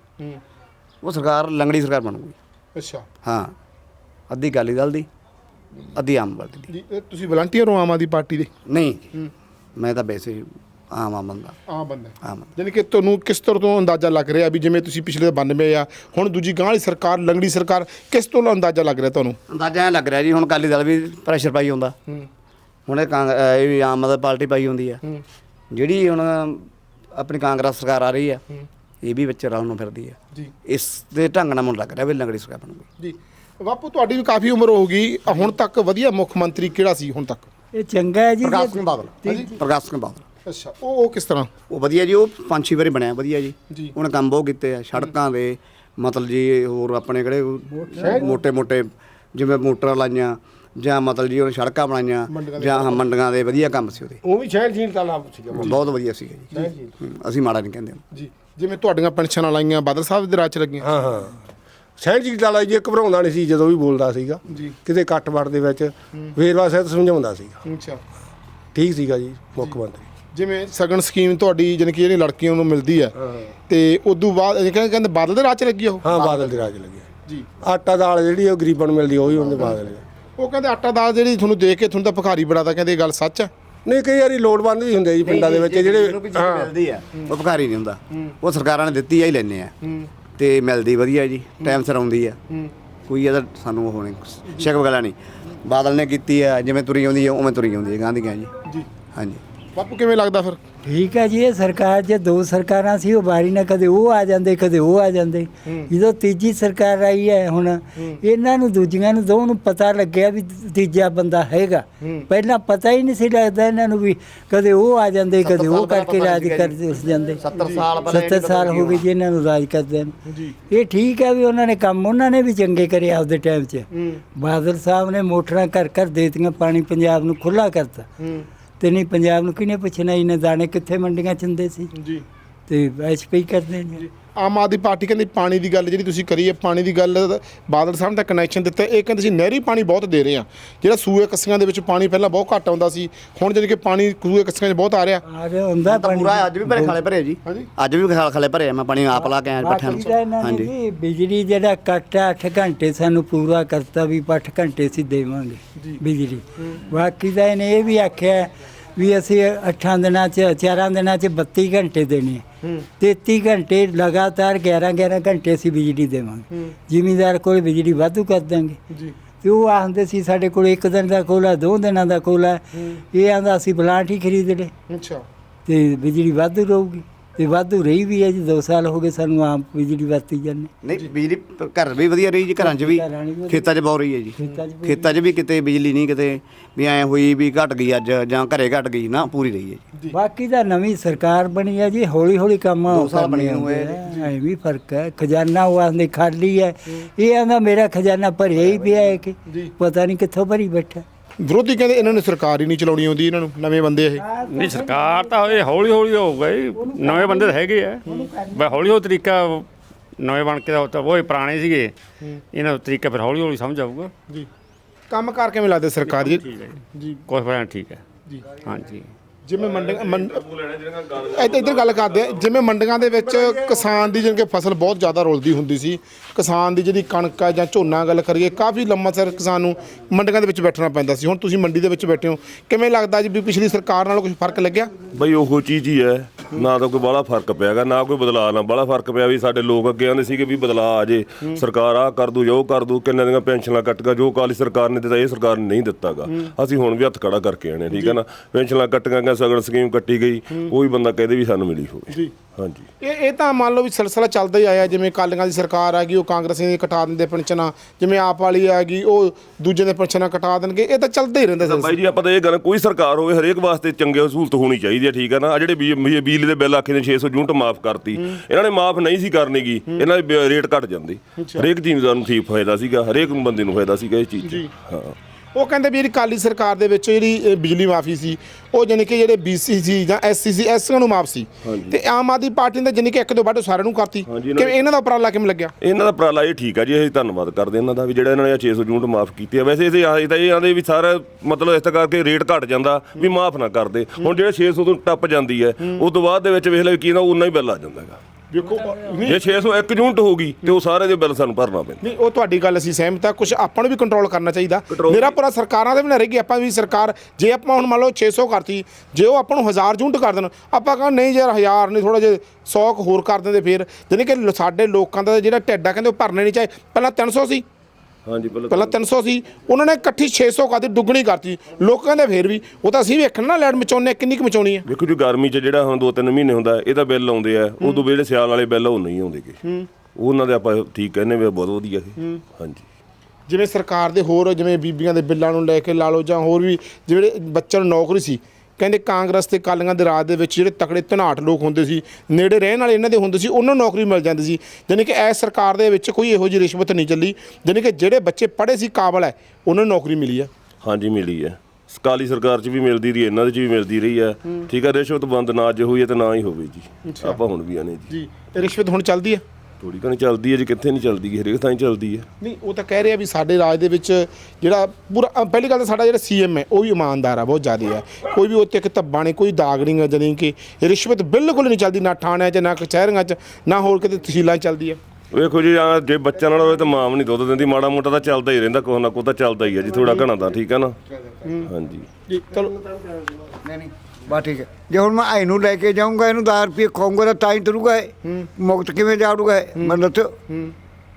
Speaker 3: ਉਹ ਸਰਕਾਰ ਲੰਗੜੀ ਸਰਕਾਰ ਬਣੂਗੀ
Speaker 2: ਅੱਛਾ
Speaker 3: ਹਾਂ ਅੱਧੀ ਅਕਾਲੀ ਦਲ ਦੀ ਅੱਧੀ ਆਮ ਪਾਰਟੀ ਦੀ
Speaker 2: ਜੀ ਇਹ ਤੁਸੀਂ ਵਲੰਟੀਅਰ ਹੋ ਆਮ ਆਦਮੀ ਪਾਰਟੀ ਦੇ
Speaker 3: ਨਹੀਂ ਮੈਂ ਤਾਂ ਵੈਸੇ ਹੀ ਆਮ ਆ ਬੰਦਾ
Speaker 2: ਆਮ ਬੰਦਾ
Speaker 3: ਆਮ
Speaker 2: ਯਾਨੀ ਕਿ ਤੁਹਾਨੂੰ ਕਿਸ ਤਰ੍ਹਾਂ ਤੋਂ ਅੰਦਾਜ਼ਾ ਲੱਗ ਰਿਹਾ ਵੀ ਜਿਵੇਂ ਤੁਸੀਂ ਪਿਛਲੇ ਬਾਨਵੇਂ ਆ ਹੁਣ ਦੂਜੀ ਗਾਂਹ ਵਾਲੀ ਸਰਕਾਰ ਲੰਗੜੀ ਸਰਕਾਰ ਕਿਸ ਤੋਂ ਅੰਦਾਜ਼ਾ ਲੱਗ ਰਿਹਾ ਤੁਹਾਨੂੰ
Speaker 3: ਅੰਦਾਜ਼ਾ ਐਂ ਲੱਗ ਰਿਹਾ ਜੀ ਹੁਣ ਅਕਾਲੀ ਦਲ ਵੀ ਪ੍ਰੈਸ਼ਰ ਪਾਈ ਹੁੰਦਾ ਹੁਣ ਇਹ ਕਾਂਗ ਅਹ ਇਹ ਵੀ ਆਮ ਆਦਮੀ ਪਾਰਟੀ ਪਾਈ ਹੁੰਦੀ ਆ ਜਿਹੜੀ ਹੁਣ ਆਪਣੀ ਕਾਂਗਰਸ ਸਰਕਾਰ ਆ ਰਹੀ ਆ ਇਹ ਵੀ ਵਿੱਚ ਰਲ ਨੂੰ ਫਿਰਦੀ ਆ
Speaker 2: ਜੀ
Speaker 3: ਇਸ ਦੇ ਢੰਗ ਨਾਲ ਮੈਨੂੰ ਲੱਗ ਰਿਹਾ ਵੀ ਲੰਗੜੀ ਸਰਕਾਰ ਬਣੂਗੀ
Speaker 2: ਜੀ ਬਾਪੂ ਤੁਹਾਡੀ ਵੀ ਕਾਫੀ ਉਮਰ ਹੋ ਗਈ ਹੁਣ ਤੱਕ ਵਧੀਆ ਮੁੱਖ ਮੰਤਰੀ ਕਿਹੜਾ ਸੀ ਹੁਣ ਤੱਕ
Speaker 4: ਇਹ ਚੰਗਾ ਹੈ ਜੀ
Speaker 3: ਪ੍ਰਕਾਸ਼ ਸਿੰਘ ਬਾਦਲ ਪ੍ਰਕਾਸ਼ ਸਿੰਘ ਬਾਦਲ
Speaker 2: ਅੱਛਾ ਉਹ ਉਹ ਕਿਸ ਤਰ੍ਹਾਂ
Speaker 3: ਉਹ ਵਧੀਆ ਜੀ ਉਹ ਪੰਜ ਛੇ ਵਾਰੀ ਬਣਿਆ ਵਧੀਆ ਜੀ
Speaker 2: ਜੀ।
Speaker 3: ਉਹਨੇ ਕੰਮ ਬਹੁਤ ਕੀਤੇ ਆ ਸੜਕਾਂ ਦੇ ਮਤਲਬ ਜੀ ਹੋਰ ਆਪਣੇ ਕਿਹੜੇ ਮੋٹے ਮੋٹے ਜਿਵੇਂ ਮੋਟਰਾਂ ਲਾਈਆਂ ਜਾਂ ਮਤਲਬ ਜੀ ਉਹਨੇ ਸੜਕਾਂ ਬਣਾਈਆਂ ਜਾਂ ਹਾਂ ਮੰਡੀਆਂ ਦੇ ਵਧੀਆ ਕੰਮ ਸੀ ਉਹਦੇ
Speaker 1: ਉਹ ਵੀ ਸਹਿਣਸ਼ੀਲਤਾ ਲਾਭ ਸੀਗਾ
Speaker 3: ਬਹੁਤ ਵਧੀਆ ਸੀਗਾ ਜੀ ਹੂੰ, ਅਸੀਂ ਮਾੜਾ ਨਹੀਂ ਕਹਿੰਦੇ
Speaker 2: ਜੀ ਜਿਵੇਂ ਤੁਹਾਡੀਆਂ ਪੈਨਸ਼ਨਾਂ ਲਾਈਆਂ ਬਾਦਲ ਸਾਹਿਬ ਦੇ ਰਾਜ ਚ ਲੱਗੀਆਂ
Speaker 1: ਹਾਂ ਹਾਂ ਸਹਿਣਸ਼ੀਲਤਾ ਵਾਲਾ ਜੀ ਘਬਰਾਉਂਦਾ ਨਹੀਂ ਸੀ ਜਦੋਂ ਵੀ ਬੋਲਦਾ ਸੀਗਾ
Speaker 2: ਜੀ।
Speaker 1: ਕਿਤੇ ਕੱਟ ਵੜ ਦੇ ਵਿੱਚ ਵੇਰਵਾ ਸਹਿਤ ਸਮਝਾਉਂਦਾ ਸੀਗਾ
Speaker 2: ਅੱਛਾ
Speaker 1: ਠੀਕ ਸੀਗਾ ਜੀ ਮੁੱਖ ਮੰਤਰੀ
Speaker 2: ਜਿਵੇਂ ਸਗਨ ਸਕੀਮ ਤੁਹਾਡੀ ਜਾਣੀ ਕਿ ਜਿਹੜੀ ਲੜਕੀਆਂ ਨੂੰ ਮਿਲਦੀ ਆ ਤੇ ਉਦੋਂ ਬਾਅਦ ਇਹ ਕਹਿੰਦੇ ਕਹਿੰਦੇ ਬਾਦਲ ਦੇ ਰਾਜ ਚ ਲੱਗੀ ਆ ਉਹ
Speaker 1: ਹਾਂ ਬਾਦਲ ਦੇ ਰਾਜ ਲੱਗਿਆ
Speaker 2: ਜੀ
Speaker 1: ਆਟਾ ਦਾਲ ਜਿਹੜੀ ਉਹ ਗਰੀਬਾਂ ਨੂੰ ਮਿਲਦੀ ਉਹ ਵੀ ਉਹਦੇ ਬਾਦਲ ਦੇ
Speaker 2: ਉਹ ਕਹਿੰਦੇ ਆਟਾ ਦਾਲ ਜਿਹੜੀ ਤੁਹਾਨੂੰ ਦੇਖ ਕੇ ਤੁਹਾਨੂੰ ਤਾਂ ਭਿਖਾਰੀ ਬਣਾਤਾ ਕਹਿੰਦੇ ਇਹ ਗੱਲ ਸੱਚ ਆ
Speaker 1: ਨਹੀਂ ਕਈ ਵਾਰੀ ਲੋੜਵੰਦ ਵੀ ਹੁੰਦੇ ਜੀ ਪਿੰਡਾਂ ਦੇ ਵਿੱਚ ਜਿਹੜੇ
Speaker 3: ਹਾਂ ਮਿਲਦੀ ਆ ਉਹ ਭਿਖਾਰੀ ਨਹੀਂ ਹੁੰਦਾ ਉਹ ਸਰਕਾਰਾਂ ਨੇ ਦਿੱਤੀ ਆ ਹੀ ਲੈਣੇ ਆ ਤੇ ਮਿਲਦੀ ਵਧੀਆ ਜੀ ਟਾਈਮ ਸਿਰ ਆਉਂਦੀ ਆ ਕੋਈ ਇਹਦਾ ਸਾਨੂੰ ਉਹ ਨਹੀਂ ਸ਼ੱਕ ਵਗੈਰਾ ਨਹੀਂ ਬਾਦਲ ਨੇ ਕੀਤੀ ਆ ਜਿਵੇਂ ਤੁਰੀ ਆਉਂਦੀ ਆ ਉਵੇਂ ਤੁਰੀ ਆਉਂਦੀ ਹੈ ਗਾਂਧੀਆਂ ਜੀ
Speaker 2: ਜੀ
Speaker 3: ਹਾਂਜੀ
Speaker 2: ਬਾਪੂ ਕਿਵੇਂ ਲੱਗਦਾ ਫਿਰ
Speaker 4: ਠੀਕ ਹੈ ਜੀ। ਇਹ ਸਰਕਾਰ ਜੇ ਦੋ ਸਰਕਾਰਾਂ ਸੀ ਉਹ ਵਾਰੀ ਨਾ ਕਦੇ ਉਹ ਆ ਜਾਂਦੇ ਕਦੇ ਉਹ ਆ ਜਾਂਦੇ। ਜਦੋਂ ਤੀਜੀ ਸਰਕਾਰ ਆਈ ਹੈ ਹੁਣ ਇਹਨਾਂ ਨੂੰ ਦੂਜੀਆਂ ਨੂੰ ਦੋ ਨੂੰ ਪਤਾ ਲੱਗਿਆ ਵੀ ਤੀਜਾ ਬੰਦਾ ਹੈਗਾ। ਪਹਿਲਾਂ ਪਤਾ ਹੀ ਨਹੀਂ ਸੀ ਲੱਗਦਾ ਇਹਨਾਂ ਨੂੰ ਵੀ ਕਦੇ ਉਹ ਆ ਜਾਂਦੇ ਕਦੇ ਉਹ ਕਰਕੇ ਰਾਜ ਕਰਦੇ ਉਸ ਜਾਂਦੇ।
Speaker 3: ਸੱਤਰ ਸਾਲ ਪਹਿਲਾਂ
Speaker 4: ਸੱਤਰ ਸਾਲ ਹੋ ਗਏ ਜੀ ਇਹਨਾਂ ਨੂੰ ਰਾਜ ਕਰਦੇ ਨੂੰ। ਇਹ ਠੀਕ ਹੈ ਵੀ ਉਹਨਾਂ ਨੇ ਕੰਮ ਉਹਨਾਂ ਨੇ ਵੀ ਚੰਗੇ ਕਰੇ ਆਪਦੇ ਟਾਈਮ 'ਚ। ਬਾਦਲ ਸਾਹਿਬ ਨੇ ਮੋਟਰਾਂ ਘਰ ਘਰ ਦੇ ਦਿੱਤੀਆਂ, ਪਾਣੀ ਪੰਜਾਬ ਨੂੰ ਖੁੱਲ੍ਹਾ ਕਰਤਾ। ਤੇ ਨਹੀਂ ਪੰਜਾਬ ਨੂੰ ਕਿਹਨੇ ਪੁੱਛਣਾ ਇਹਨੇ ਦਾਣੇ ਕਿੱਥੇ ਮੰਡੀਆਂ ਚ ਹੁੰਦੇ ਸੀ
Speaker 2: ਜੀ।
Speaker 4: ਤੇ ਐਸ ਪੀ ਕਰਦੇ ਨੇ।
Speaker 2: ਆਮ ਆਦਮੀ ਪਾਰਟੀ ਕਹਿੰਦੀ ਪਾਣੀ ਦੀ ਗੱਲ ਜਿਹੜੀ ਤੁਸੀਂ ਕਰੀ ਹੈ, ਪਾਣੀ ਦੀ ਗੱਲ ਬਾਦਲ ਸਾਹਿਬ ਦਾ ਕਨੈਕਸ਼ਨ ਦਿੱਤਾ। ਇਹ ਕਹਿੰਦੇ ਸੀ ਨਹਿਰੀ ਪਾਣੀ ਬਹੁਤ ਦੇ ਰਹੇ ਆ, ਜਿਹੜਾ ਸੂਏ ਕੱਸੀਆਂ ਦੇ ਵਿੱਚ ਪਾਣੀ ਪਹਿਲਾਂ ਬਹੁਤ ਘੱਟ ਆਉਂਦਾ ਸੀ, ਹੁਣ ਜਾਣੀ ਕਿ ਪਾਣੀ ਸੂਏ ਕੱਸੀਆਂ 'ਚ ਬਹੁਤ ਆ ਰਿਹਾ।
Speaker 4: ਆ ਰਿਹਾ ਹੁੰਦਾ ਪਾਣੀ
Speaker 3: ਪੂਰਾ ਅੱਜ ਵੀ ਭਰੇ ਖਾਲੇ ਭਰੇ ਜੀ। ਅੱਜ ਵੀ ਖਾਲ ਖਾਲੇ ਭਰੇ ਆ, ਮੈਂ ਪਾਣੀ ਆਪ ਲਾ ਕੇ ਆਇਆ ਪੱਠਿਆਂ ਨੂੰ।
Speaker 4: ਹਾਂਜੀ ਜੀ ਬਿਜਲੀ ਜਿਹੜਾ ਕੱਟ ਆ ਅੱਠ ਘੰਟੇ ਸਾਨੂੰ ਪੂਰਾ ਕਰਤਾ ਵੀ ਅੱਠ ਘੰਟੇ ਅਸੀਂ ਦੇਵਾਂਗੇ ਬਿਜਲੀ। ਬਾਕੀ ਦਾ ਇਹਨੇ ਇਹ ਵੀ ਆਖਿਆ ਵੀ ਅਸੀਂ ਅੱਠਾਂ ਦਿਨਾਂ 'ਚ ਚਾਰਾਂ ਦਿਨਾਂ 'ਚ ਬੱਤੀ ਘੰਟੇ ਦੇਣੇ, ਤੇਤੀ ਘੰਟੇ ਲਗਾਤਾਰ ਗਿਆਰਾਂ ਗਿਆਰਾਂ ਘੰਟੇ ਅਸੀਂ ਬਿਜਲੀ ਦੇਵਾਂਗੇ। ਜ਼ਿਮੀਂਦਾਰ ਕੋਲ ਬਿਜਲੀ ਵਾਧੂ ਕਰ ਦਾਂਗੇ। ਤੇ ਉਹ ਆਖਦੇ ਸੀ ਸਾਡੇ ਕੋਲ ਇੱਕ ਦਿਨ ਦਾ ਕੋਲਾ ਦੋ ਦਿਨਾਂ ਦਾ ਕੋਲਾ, ਇਹ ਆਂਦਾ ਅਸੀਂ ਪਲਾਂਟ ਹੀ ਖਰੀਦ ਲਏ
Speaker 2: ਅੱਛਾ
Speaker 4: ਤੇ ਬਿਜਲੀ ਵਾਧੂ ਰਹੂਗੀ। ਤੇ ਵਾਧੂ ਰਹੀ ਵੀ ਹੈ ਜੀ, ਦੋ ਸਾਲ ਹੋ ਗਏ ਸਾਨੂੰ ਆਮ ਬਿਜਲੀ ਵਰਤੀ ਜਾਂਦੇ।
Speaker 3: ਨਹੀਂ ਬਿਜਲੀ ਘਰ ਵੀ ਵਧੀਆ ਰਹੀ ਜੀ, ਘਰਾਂ 'ਚ ਵੀ ਖੇਤਾਂ 'ਚ ਬਹੁਤ ਰਹੀ ਹੈ ਜੀ। ਖੇਤਾਂ 'ਚ ਵੀ ਕਿਤੇ ਬਿਜਲੀ ਨਹੀਂ ਕਿਤੇ ਵੀ ਐਂ ਹੋਈ ਵੀ ਘਟ ਗਈ ਅੱਜ ਜਾਂ ਘਰੇ ਘਟ ਗਈ ਨਾ, ਪੂਰੀ ਰਹੀ ਹੈ ਜੀ।
Speaker 4: ਬਾਕੀ ਤਾਂ ਨਵੀਂ ਸਰਕਾਰ ਬਣੀ ਹੈ ਜੀ, ਹੌਲੀ ਹੌਲੀ ਕੰਮ
Speaker 3: ਦੋ ਸਾਲ ਬਣੇ ਨੂੰ
Speaker 4: ਐ ਵੀ ਫਰਕ ਹੈ। ਖਜ਼ਾਨਾ ਉਹ ਆਂਦੇ ਖਾਲੀ ਹੈ, ਇਹ ਆਂਦਾ ਮੇਰਾ ਖਜ਼ਾਨਾ ਭਰਿਆ ਹੀ ਪਿਆ ਹੈ ਕਿ ਪਤਾ ਨਹੀਂ ਕਿੱਥੋਂ ਭਰੀ ਬੈਠਾ।
Speaker 2: ਵਿਰੋਧੀ ਕਹਿੰਦੇ ਇਹਨਾਂ ਨੇ ਸਰਕਾਰ ਹੀ ਨਹੀਂ ਚਲਾਉਣੀ ਆਉਂਦੀ, ਇਹਨਾਂ ਨੂੰ ਨਵੇਂ ਬੰਦੇ ਇਹ।
Speaker 7: ਨਹੀਂ ਸਰਕਾਰ ਤਾਂ ਇਹ ਹੌਲੀ ਹੌਲੀ ਹੋਊਗਾ ਜੀ, ਨਵੇਂ ਬੰਦੇ ਤਾਂ ਹੈਗੇ ਆ, ਬਸ ਹੌਲੀ ਹੌਲੀ ਤਰੀਕਾ ਨਵੇਂ ਬਣ ਕੇ ਤਾਂ ਉਹ ਪੁਰਾਣੇ ਸੀਗੇ, ਇਹਨਾਂ ਦਾ ਤਰੀਕਾ ਫਿਰ ਹੌਲੀ ਹੌਲੀ ਸਮਝ ਆਊਗਾ
Speaker 2: ਜੀ। ਕੰਮ ਕਾਰ ਕਿਵੇਂ ਲੱਗਦੇ ਸਰਕਾਰ ਜੀ?
Speaker 7: ਜੀ ਕੁਛ ਪਰਾਂ ਠੀਕ ਹੈ ਜੀ। ਹਾਂਜੀ
Speaker 2: ਜਿਵੇਂ ਮੰਡੀਆਂ ਮੰਡ ਇੱਧਰ ਇੱਧਰ ਗੱਲ ਕਰਦੇ ਆ, ਜਿਵੇਂ ਮੰਡੀਆਂ ਦੇ ਵਿੱਚ ਕਿਸਾਨ ਦੀ ਜਿਹੜੀ ਫਸਲ ਬਹੁਤ ਜ਼ਿਆਦਾ ਰੁਲਦੀ ਹੁੰਦੀ ਸੀ, ਕਿਸਾਨ ਦੀ ਜਿਹੜੀ ਕਣਕ ਆ ਜਾਂ ਝੋਨਾ ਗੱਲ ਕਰੀਏ, ਕਾਫੀ ਲੰਮਾ ਸਰ ਕਿਸਾਨ ਨੂੰ ਮੰਡੀਆਂ ਦੇ ਵਿੱਚ ਬੈਠਣਾ ਪੈਂਦਾ ਸੀ। ਹੁਣ ਤੁਸੀਂ ਮੰਡੀ ਦੇ ਵਿੱਚ ਬੈਠੇ ਹੋ, ਕਿਵੇਂ ਲੱਗਦਾ ਜੀ ਵੀ ਪਿਛਲੀ ਸਰਕਾਰ ਨਾਲੋਂ ਕੁਝ ਫਰਕ ਲੱਗਿਆ?
Speaker 5: ਬਈ ਉਹੋ ਚੀਜ਼ ਹੀ ਹੈ, ਨਾ ਤਾਂ ਕੋਈ ਬਾਹਲਾ ਫਰਕ ਪਿਆਗਾ, ਨਾ ਕੋਈ ਬਦਲਾਅ ਨਾ ਬਾਹਲਾ ਫਰਕ ਪਿਆ। ਵੀ ਸਾਡੇ ਲੋਕ ਅੱਗੇ ਆਉਂਦੇ ਸੀਗੇ ਵੀ ਬਦਲਾਅ ਆ ਜੇ, ਸਰਕਾਰ ਆ ਕਰ ਦੂ ਜੋ ਕਰ ਦੂ, ਕਿੰਨੇ ਦੀਆਂ ਪੈਨਸ਼ਨਾਂ ਕੱਟ ਗਾ, ਜੋ ਕਾਲੀ ਸਰਕਾਰ ਨੇ ਦਿੱਤਾ ਇਹ ਸਰਕਾਰ ਨੇ ਨਹੀਂ ਦਿੱਤਾਗਾ। ਅਸੀਂ ਹੁਣ ਵੀ ਹੱਥ ਖੜਾ ਕਰਕੇ ਆਣੇ, ਠੀਕ ਹੈ ਨਾ। ਪੈਨਸ਼ਨਾਂ ਕੱਟੀਆਂ ਗਈਆਂ, ਸਗਨ ਸਕੀਮ ਕੱਟੀ ਗਈ, ਕੋਈ ਬੰਦਾ ਕਹਦੇ ਵੀ ਸਾਨੂੰ ਮਿਲੀ ਹੋਵੇ ਜੀ। ਹਾਂਜੀ
Speaker 2: ਇਹ ਇਹ ਤਾਂ ਮੰਨ ਲਓ ਵੀ ਸਿਲਸਿਲਾ ਚੱਲਦਾ ਹੀ ਆਇਆ। ਜਿਵੇਂ ਕਾਲੀਆਂ ਦੀ ਸਰਕਾਰ ਆ ਗਈ, ਉਹ ਕਾਂਗਰਸੀ ਦੀ ਕਟਾ ਦਿੰਦੇ ਪੈਨਸ਼ਨਾਂ, ਜਿਵੇਂ ਆਪ ਵਾਲੀ ਆ ਗਈ ਉਹ ਦੂਜੇ ਦੇ ਪੈਨਸ਼ਨਾਂ ਕਟਾ ਦੇਣਗੇ। ਇਹ ਤਾਂ ਚੱਲਦਾ ਹੀ ਰਹਿੰਦਾ ਸਰ।
Speaker 5: ਬਾਈ ਜੀ ਆਪਾਂ ਤਾਂ ਇਹ ਗੱਲ, ਕੋਈ ਸਰਕਾਰ ਹੋਵੇ ਹਰੇਕ ਵਾਸਤੇ ਚੰਗੇ ਸਹੂਲਤ ਹੋਣੀ ਚਾਹੀਦੀ ਹੈ, ਠੀਕ ਹੈ ਨਾ। ਆ ਜਿਹੜੇ ਬਿਜਲੀ ਦੇ ਬਿੱਲ ਆਖੇ ਨੇ ਛੇ ਸੌ ਯੂਨਿਟ ਮਾਫ ਕਰਤੀ, ਇਹਨਾਂ ਨੇ ਮਾਫ ਨਹੀਂ ਸੀ ਕਰਨੀਗੀ, ਇਹਨਾਂ ਦੇ ਰੇਟ ਘਟ ਜਾਂਦੇ। ਹਰੇਕ ਜ਼ਿਮੀਂਦਾਰ ਨੂੰ ਠੀਕ ਫਾਇਦਾ ਸੀਗਾ, ਹਰੇਕ ਬੰਦੇ ਨੂੰ ਫਾਇਦਾ ਸੀਗਾ ਇਸ ਚੀਜ਼ 'ਚ। ਹਾਂ
Speaker 2: ਉਹ ਕਹਿੰਦੇ ਵੀ ਜਿਹੜੀ ਕਾਲੀ ਸਰਕਾਰ ਦੇ ਵਿੱਚ ਜਿਹੜੀ ਬਿਜਲੀ ਮਾਫੀ ਸੀ, ਉਹ ਜਾਣੀ ਕਿ ਜਿਹੜੇ ਬੀਸੀ ਸੀ ਜਾਂ ਐਸਸੀ ਸੀ ਐਸਸੀਆਂ ਨੂੰ ਮਾਫ ਸੀ, ਤੇ ਆਮ ਆਦਮੀ ਪਾਰਟੀ ਨੇ ਜਾਣੀ ਕਿ ਇੱਕ ਦੋ ਵੱਢ ਸਾਰਿਆਂ ਨੂੰ ਕਰਤੀ। ਕਿਵੇਂ ਇਹਨਾਂ ਦਾ ਉਪਰਾਲਾ ਕਿਵੇਂ ਲੱਗਿਆ? ਇਹਨਾਂ
Speaker 5: ਦਾ ਉਪਰਾਲਾ ਇਹ ਠੀਕ ਆ ਜੀ, ਅਸੀਂ ਧੰਨਵਾਦ ਕਰਦੇ ਇਹਨਾਂ ਦਾ ਵੀ ਜਿਹੜਾ ਇਹਨਾਂ ਨੇ ਛੇ ਸੌ ਯੂਨਿਟ ਮਾਫ ਕੀਤੀ ਆ। ਵੈਸੇ ਇਹ ਤਾਂ ਇਹ ਆਂਦੇ ਵੀ ਸਾਰਾ ਮਤਲਬ ਇਸ ਕਰਕੇ ਰੇਟ ਘਟ ਜਾਂਦਾ ਵੀ ਮਾਫ ਨਾ ਕਰਦੇ। ਹੁਣ ਜਿਹੜੇ ਛੇ ਸੌ ਤੋਂ ਟੱਪ ਜਾਂਦੀ ਹੈ, ਉਸ ਤੋਂ ਬਾਅਦ ਦੇ ਵਿੱਚ ਵੇਖ ਲਓ ਕੀ ਨਾ ਉਨਾ ਹੀ ਬਿੱਲ ਆ ਜਾਂਦਾ ਹੈਗਾ।
Speaker 2: ਦੇਖੋ
Speaker 5: ਜੇ ਛੇ ਸੌ ਇੱਕ ਯੂਨਿਟ ਹੋ ਗਈ ਤੇ ਉਹ ਸਾਰੇ ਦੇ ਬਿੱਲ ਸਾਨੂੰ ਭਰਨਾ ਪੈਂਦਾ।
Speaker 2: ਨਹੀਂ ਉਹ ਤੁਹਾਡੀ ਗੱਲ ਅਸੀਂ ਸਹਿਮਤ ਆ, ਕੁਝ ਆਪਾਂ ਨੂੰ ਵੀ ਕੰਟਰੋਲ ਕਰਨਾ ਚਾਹੀਦਾ। ਮੇਰਾ ਪੂਰਾ ਸਰਕਾਰਾਂ ਦੇ ਵੀ ਨਾ ਰਹੇਗੀ, ਆਪਾਂ ਵੀ ਸਰਕਾਰ ਜੇ ਆਪਾਂ ਹੁਣ ਮੰਨ ਲਓ ਛੇ ਸੌ ਕਰਤੀ, ਜੇ ਉਹ ਆਪਾਂ ਨੂੰ ਹਜ਼ਾਰ ਯੂਨਿਟ ਕਰ ਦੇਣ, ਆਪਾਂ ਕਹਾਂ ਨਹੀਂ ਯਾਰ ਹਜ਼ਾਰ ਨਹੀਂ ਥੋੜਾ ਜਿਹਾ ਸੌ ਕੁ ਹੋਰ ਕਰ ਦਿੰਦੇ, ਫਿਰ ਜਾਣੀ ਕਿ ਸਾਡੇ ਲੋਕਾਂ ਦਾ ਜਿਹੜਾ ਢਿੱਡ ਆ ਕਹਿੰਦੇ ਉਹ ਭਰਨੇ ਨਹੀਂ ਚਾਹੇ। ਪਹਿਲਾਂ ਤਿੰਨ ਸੌ ਸੀ,
Speaker 5: ਹਾਂਜੀ
Speaker 2: ਪਹਿਲਾਂ ਤਿੰਨ ਸੌ ਸੀ, ਉਹਨਾਂ ਨੇ ਇਕੱਠੀ ਛੇ ਸੌ ਕਰਤੀ, ਦੁੱਗਣੀ ਕਰਤੀ। ਲੋਕਾਂ ਦੇ ਫਿਰ ਵੀ ਉਹ ਤਾਂ ਅਸੀਂ ਵੇਖਣ ਨਾ ਲੈਟ ਮਚਾਉਂਦੇ ਕਿੰਨੀ ਕੁ ਮਚਾਉਣੀ ਹੈ।
Speaker 5: ਵੇਖੋ ਜੀ ਗਰਮੀ 'ਚ ਜਿਹੜਾ ਹੁਣ ਦੋ ਤਿੰਨ ਮਹੀਨੇ ਹੁੰਦਾ ਇਹ ਤਾਂ ਬਿੱਲ ਆਉਂਦੇ ਆ, ਉਦੋਂ ਜਿਹੜੇ ਸਿਆਲ ਵਾਲੇ ਬਿੱਲ ਉਹ ਨਹੀਂ ਆਉਂਦੇਗੇ, ਉਹਨਾਂ ਦੇ ਆਪਾਂ ਠੀਕ ਕਹਿੰਦੇ ਵੀ ਬਹੁਤ ਵਧੀਆ ਇਹ। ਹਾਂਜੀ
Speaker 2: ਜਿਵੇਂ ਸਰਕਾਰ ਦੇ ਹੋਰ ਜਿਵੇਂ ਬੀਬੀਆਂ ਦੇ ਬਿੱਲਾਂ ਨੂੰ ਲੈ ਕੇ ਲਾ ਲਓ, ਜਾਂ ਹੋਰ ਵੀ ਜਿਹੜੇ ਬੱਚਿਆਂ ਨੂੰ ਨੌਕਰੀ ਸੀ, ਕਹਿੰਦੇ ਕਾਂਗਰਸ ਤੇ ਕਾਲੀਆਂ ਦੇ ਰਾਜ ਦੇ ਵਿੱਚ ਜਿਹੜੇ ਤਕੜੇ ਧਨਾਟ ਲੋਕ ਹੁੰਦੇ ਸੀ, ਨੇੜੇ ਰਹਿਣ ਵਾਲੇ ਇਹਨਾਂ ਦੇ ਹੁੰਦੇ ਸੀ, ਉਹਨਾਂ ਨੂੰ ਨੌਕਰੀ ਮਿਲ ਜਾਂਦੀ ਸੀ। ਜਾਣੀ ਕਿ ਇਸ ਸਰਕਾਰ ਦੇ ਵਿੱਚ ਕੋਈ ਇਹੋ ਜਿਹੀ ਰਿਸ਼ਵਤ ਨਹੀਂ ਚੱਲੀ, ਜਾਣੀ ਕਿ ਜਿਹੜੇ ਬੱਚੇ ਪੜ੍ਹੇ ਸੀ ਕਾਬਲ ਹੈ ਉਹਨਾਂ ਨੂੰ ਨੌਕਰੀ ਮਿਲੀ ਆ।
Speaker 5: ਹਾਂਜੀ ਮਿਲੀ ਹੈ, ਕਾਲੀ ਸਰਕਾਰ 'ਚ ਵੀ ਮਿਲਦੀ ਰਹੀ, ਇਹਨਾਂ ਦੇ 'ਚ ਵੀ ਮਿਲਦੀ ਰਹੀ ਹੈ, ਠੀਕ ਹੈ। ਰਿਸ਼ਵਤ ਬੰਦ ਨਾ ਅੱਜ ਹੋਈ ਹੈ ਤੇ ਨਾ ਹੀ ਹੋਵੇ ਜੀ, ਆਪਾਂ ਹੁਣ ਵੀ ਆਨੇ ਜੀ।
Speaker 2: ਜੀ ਰਿਸ਼ਵਤ ਹੁਣ ਚੱਲਦੀ ਹੈ?
Speaker 5: ਥੋੜੀ ਤਾਂ ਨਹੀਂ ਚੱਲਦੀ ਹੈ ਜੀ, ਕਿੱਥੇ ਨਹੀਂ ਚੱਲਦੀ, ਹਰੇਕ ਥਾਂ ਹੀ ਚੱਲਦੀ ਹੈ।
Speaker 2: ਨਹੀਂ ਉਹ ਤਾਂ ਕਹਿ ਰਿਹਾ ਵੀ ਸਾਡੇ ਰਾਜ ਦੇ ਵਿੱਚ ਜਿਹੜਾ ਪੂਰਾ, ਪਹਿਲੀ ਗੱਲ ਤਾਂ ਸਾਡਾ ਜਿਹੜਾ ਸੀ ਐਮ ਹੈ ਉਹ ਵੀ ਇਮਾਨਦਾਰ ਆ, ਬਹੁਤ ਜ਼ਿਆਦਾ ਹੈ। ਕੋਈ ਵੀ ਉੱਤੇ ਇੱਕ ਧੱਬਾ ਨਹੀਂ, ਕੋਈ ਦਾਗ ਨਹੀਂ ਹੈ, ਜਾਣੀ ਕਿ ਰਿਸ਼ਵਤ ਬਿਲਕੁਲ ਨਹੀਂ ਚੱਲਦੀ, ਨਾ ਥਾਣਿਆਂ 'ਚ ਨਾ ਕਚਹਿਰੀਆਂ 'ਚ ਨਾ ਹੋਰ ਕਿਤੇ ਤਹਿਸੀਲਾਂ 'ਚ ਚੱਲਦੀ ਹੈ।
Speaker 5: ਵੇਖੋ ਜੀ ਆ ਜੇ ਬੱਚਿਆਂ ਨਾਲ ਹੋਵੇ ਤਾਂ ਮਾਂ ਵੀ ਨਹੀਂ ਦੁੱਧ ਦਿੰਦੀ, ਮਾੜਾ ਮੋਟਾ ਤਾਂ ਚੱਲਦਾ ਹੀ ਰਹਿੰਦਾ, ਕੋਈ ਨਾ ਕੋਈ ਤਾਂ ਚੱਲਦਾ ਹੀ ਹੈ ਜੀ, ਥੋੜਾ ਘਣਾ ਤਾਂ ਠੀਕ ਹੈ ਨਾ। ਹਾਂਜੀ
Speaker 2: ਜੀ ਚਲੋ
Speaker 6: ਨਹੀਂ ਨਹੀਂ ਬਸ ਠੀਕ ਹੈ। ਜੇ ਹੁਣ ਮੈਂ ਇਹਨੂੰ ਲੈ ਕੇ ਜਾਊਂਗਾ, ਇਹਨੂੰ ਦਸ ਰੁਪਏ ਖਾਊਂਗਾ ਤਾਂ ਤਾਂ ਹੀ ਤੁਰੂਗਾ ਇਹ, ਮੁਕਤ ਕਿਵੇਂ ਜਾੜੂਗਾ ਇਹ? ਮਤਲਬ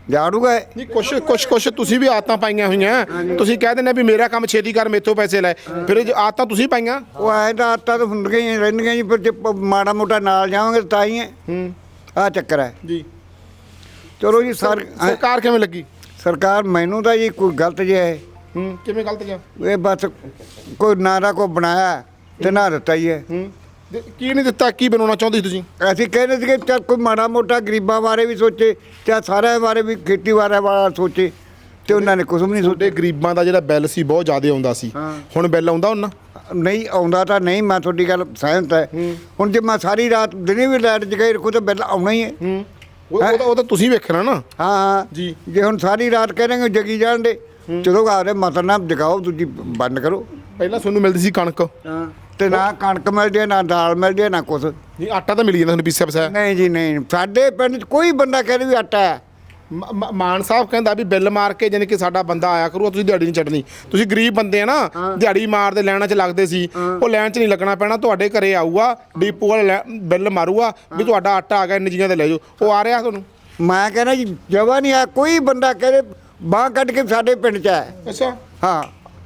Speaker 6: ਜਾੜੂਗਾ ਇਹ।
Speaker 2: ਨਹੀਂ ਕੁਛ ਕੁਛ ਕੁਛ ਤੁਸੀਂ ਵੀ ਆਦਤਾਂ ਪਾਈਆਂ ਹੋਈਆਂ ਤੁਸੀਂ ਕਹਿ ਦਿੰਦੇ ਵੀ ਮੇਰਾ ਕੰਮ ਛੇਤੀ ਕਰ ਮੇਥੋਂ ਪੈਸੇ ਲੈ ਫਿਰ ਇਹ ਆਦਤਾਂ ਤੁਸੀਂ ਪਾਈਆਂ
Speaker 6: ਉਹ ਐਂ ਤਾਂ ਆਦਤਾਂ ਤਾਂ ਹੁੰਦੀਆਂ ਹੀ ਰਹਿੰਦੀਆਂ ਜੀ, ਫਿਰ ਜੇ ਪ- ਮਾੜਾ ਮੋਟਾ ਨਾਲ ਜਾਵਾਂਗੇ ਤਾਂ ਹੀ ਹੈ।
Speaker 2: ਹੂੰ
Speaker 6: ਆਹ ਚੱਕਰ ਹੈ।
Speaker 2: ਜੀ
Speaker 6: ਚਲੋ ਜੀ ਸਰ
Speaker 2: ਸਰਕਾਰ ਕਿਵੇਂ ਲੱਗੀ
Speaker 6: ਸਰਕਾਰ ਮੈਨੂੰ ਤਾਂ ਜੀ ਕੋਈ ਗਲਤ ਜਿਹਾ ਹੈ,
Speaker 2: ਹੂੰ ਕਿਵੇਂ ਗਲਤ ਗਿਆ
Speaker 6: ਇਹ ਬਸ ਕੋਈ ਨਾ ਦਾ ਕੋਈ ਬਣਾਇਆ ਤੇ ਨਾ ਦਿੱਤਾ ਹੀ ਹੈ।
Speaker 2: ਹੂੰ ਦੇ- ਕੀ ਨਹੀਂ ਦਿੱਤਾ ਕੀ ਬਣਾਉਣਾ ਚਾਹੁੰਦੇ ਸੀ ਤੁਸੀਂ
Speaker 6: ਅਸੀਂ ਕਹਿੰਦੇ ਸੀ ਕਿ ਚੱਲ ਕੋਈ ਮਾੜਾ ਮੋਟਾ ਗਰੀਬਾਂ ਬਾਰੇ ਵੀ ਸੋਚੇ, ਚਾਹੇ ਸਾਰਿਆਂ ਬਾਰੇ ਵੀ ਖੇਤੀ ਬਾਰੇ ਵਾਲਾ ਸੋਚੇ, ਤੇ ਉਹਨਾਂ ਨੇ ਕੁਝ ਵੀ ਨਹੀਂ
Speaker 2: ਤੁਹਾਡੇ
Speaker 6: ਸੋਚਿਆ।
Speaker 2: ਗਰੀਬਾਂ ਦਾ ਜਿਹੜਾ ਬਿੱਲ ਸੀ ਬਹੁਤ ਜ਼ਿਆਦਾ ਆਉਂਦਾ ਸੀ
Speaker 6: ਹਾਂ।
Speaker 2: ਹੁਣ ਬਿੱਲ ਆਉਂਦਾ ਉਹਨਾਂ
Speaker 6: ਨਹੀਂ ਆਉਂਦਾ ਤਾਂ ਨਹੀਂ, ਮੈਂ ਤੁਹਾਡੀ ਗੱਲ ਸਹਿਮਤ ਹੈ। ਹੁਣ ਜੇ ਮੈਂ ਸਾਰੀ ਰਾਤ ਦਿਨੇ ਵੀ ਲਾਈਟ ਜਗਾਈ ਰੱਖੂ ਤਾਂ ਬਿੱਲ ਆਉਣਾ ਹੀ ਹੈ।
Speaker 2: ਹੂੰ ਉਹ ਉਹ ਤਾਂ ਉਹ ਤਾਂ ਤੁਸੀਂ ਵੇਖਣਾ ਨਾ
Speaker 6: ਹਾਂ ਹਾਂ
Speaker 2: ਜੀ।
Speaker 6: ਜੇ ਹੁਣ ਸਾਰੀ ਰਾਤ ਕਹਿੰਦੇ ਜਗੀ ਜਾਣ ਦੇ, ਚਲੋ ਆਰੇ ਮਤਲਬ ਨਾ ਜਗਾਓ, ਦੂਜੀ ਬੰਦ ਕਰੋ।
Speaker 2: ਪਹਿਲਾਂ ਤੁਹਾਨੂੰ ਮਿਲਦੀ ਸੀ ਕਣਕ
Speaker 6: ਹਾਂ ਤੇ ਨਾ ਕਣਕ ਮਿਲਦੀ ਹੈ, ਨਾ ਦਾਲ ਮਿਲਦੀ ਹੈ, ਨਾ ਕੁਛ।
Speaker 2: ਨਹੀਂ ਆਟਾ ਤਾਂ ਮਿਲੀ ਜਾਂਦਾ ਤੁਹਾਨੂੰ ਪੀਸਿਆ ਪਸਾਇਆ
Speaker 6: ਨਹੀਂ ਜੀ ਨਹੀਂ, ਸਾਡੇ ਪਿੰਡ 'ਚ ਕੋਈ ਬੰਦਾ ਕਹਿੰਦੇ ਵੀ ਆਟਾ ਹੈ।
Speaker 2: ਮ- ਮ- ਮਾਨ ਸਾਹਿਬ ਕਹਿੰਦਾ ਵੀ ਬਿੱਲ ਮਾਰ ਕੇ ਜਾਣੀ ਕਿ ਸਾਡਾ ਬੰਦਾ ਆਇਆ ਕਰੂਗਾ ਤੁਸੀਂ ਦਿਹਾੜੀ ਨਹੀਂ ਛੱਡਣੀ ਤੁਸੀਂ ਗਰੀਬ ਬੰਦੇ ਆ ਨਾ ਦਿਹਾੜੀ ਮਾਰਦੇ ਲੈਣਾ 'ਚ ਲੱਗਦੇ ਸੀ ਉਹ ਲੈਣ 'ਚ ਨਹੀਂ ਲੱਗਣਾ ਪੈਣਾ ਤੁਹਾਡੇ ਘਰੇ ਆਊਗਾ ਡੀਪੂ ਵਾਲਾ ਲੈ- ਬਿੱਲ ਮਾਰੂਗਾ ਵੀ ਤੁਹਾਡਾ ਆਟਾ ਆ ਗਿਆ ਇੰਨੀ ਚੀਜ਼ਾਂ ਤੇ ਲੈ ਜਾਓ ਉਹ ਆ ਰਿਹਾ ਤੁਹਾਨੂੰ
Speaker 6: ਮੈਂ ਕਹਿੰਦਾ ਜੀ ਜਵਾ ਨਹੀਂ ਆ ਕੋਈ ਬੰਦਾ ਕਹਿੰਦੇ ਬਾਂਹ ਕੱਢ ਕੇ ਸਾਡੇ ਪਿੰਡ 'ਚ ਹੈ।
Speaker 2: ਅੱਛਾ
Speaker 6: ਹਾਂ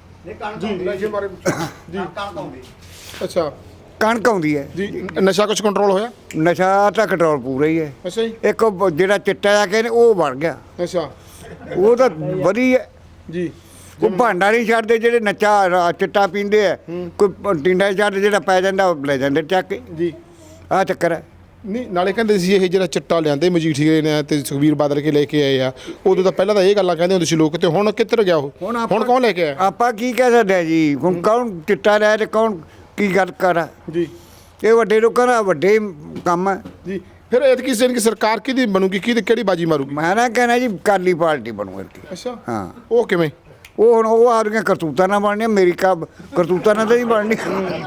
Speaker 2: ਅੱਛਾ
Speaker 6: ਕਣਕ ਆਉਂਦੀ ਹੈ
Speaker 2: ਜੀ ਨਸ਼ਾ ਕੁਝ ਕੰਟਰੋਲ ਹੋਇਆ
Speaker 6: ਨਸ਼ਾ ਤਾਂ ਕੰਟਰੋਲ ਪੂਰਾ ਹੀ ਹੈ।
Speaker 2: ਅੱਛਾ ਜੀ
Speaker 6: ਇੱਕ ਉਹ ਜਿਹੜਾ ਚਿੱਟਾ ਆ ਕਹਿੰਦੇ ਉਹ ਬਣ ਗਿਆ,
Speaker 2: ਅੱਛਾ
Speaker 6: ਉਹ ਤਾਂ ਵਧੀਆ ਹੈ।
Speaker 2: ਜੀ
Speaker 6: ਉਹ ਭਾਂਡਾ ਨਹੀਂ ਛੱਡਦੇ ਜਿਹੜੇ ਨੱਚਾ ਰਾ- ਚਿੱਟਾ ਪੀਂਦੇ ਆ, ਕੋਈ ਟਿੰਡਾ ਛੱਡ ਜਿਹੜਾ ਪੈ ਜਾਂਦਾ ਉਹ ਲੈ ਜਾਂਦੇ ਚੱਕ ਕੇ।
Speaker 2: ਜੀ
Speaker 6: ਆਹ ਚੱਕਰ ਹੈ।
Speaker 2: ਨਹੀਂ ਨਾਲੇ ਕਹਿੰਦੇ ਸੀ ਇਹ ਜਿਹੜਾ ਚਿੱਟਾ ਲਿਆਂਦੇ ਮਜੀਠੀਏ ਨੇ ਤੇ ਸੁਖਬੀਰ ਬਾਦਲ ਕੇ ਲੈ ਕੇ ਆਏ ਆ ਉਦੋਂ ਤਾਂ ਪਹਿਲਾਂ ਤਾਂ ਇਹ ਗੱਲਾਂ ਕਹਿੰਦੇ ਹੁੰਦੇ ਸੀ ਲੋਕ ਤੇ ਹੁਣ ਕਿੱਧਰ ਗਿਆ ਉਹ
Speaker 6: ਆਪਾਂ-
Speaker 2: ਹੁਣ ਕੌਣ ਲੈ ਕੇ ਆਇਆ
Speaker 6: ਆਪਾਂ ਕੀ ਕਹਿ ਸਕਦੇ ਆ ਜੀ, ਹੁਣ ਕੌਣ ਚਿੱਟਾ ਲੈ ਤੇ ਕੌਣ ਕੀ ਗੱਲ ਕਰਾ।
Speaker 2: ਜੀ
Speaker 6: ਇਹ ਵੱਡੇ ਲੋਕਾਂ ਦਾ ਵੱਡੇ ਕੰਮ ਹੈ।
Speaker 2: ਜੀ ਫਿਰ ਐਤਕੀ ਸੇਨ ਕੀ ਸਰਕਾਰ ਕਿਹਦੀ ਬਣੂਗੀ ਕਿਹਦੀ ਕਿਹੜੀ ਬਾਜੀ ਮਾਰੂਗੀ
Speaker 6: ਮੈਂ ਨਾ ਕਹਿਣਾ ਜੀ ਕਾਲੀ ਪਾਰਟੀ ਬਣੂ ਇਰਕੀ।
Speaker 2: ਅੱਛਾ
Speaker 6: ਹਾਂ
Speaker 2: ਉਹ ਕਿਵੇਂ
Speaker 6: ਉਹ ਹੁਣ ਉਹ ਆਪਦੀਆਂ ਕਰਤੂਤਾਂ ਨਾਲ ਬਣਨੀਆਂ, ਮੇਰੀ ਕਾ ਕਰਤੂਤਾਂ ਨਾਲ ਤਾਂ ਨਹੀਂ ਬਣਨੀ।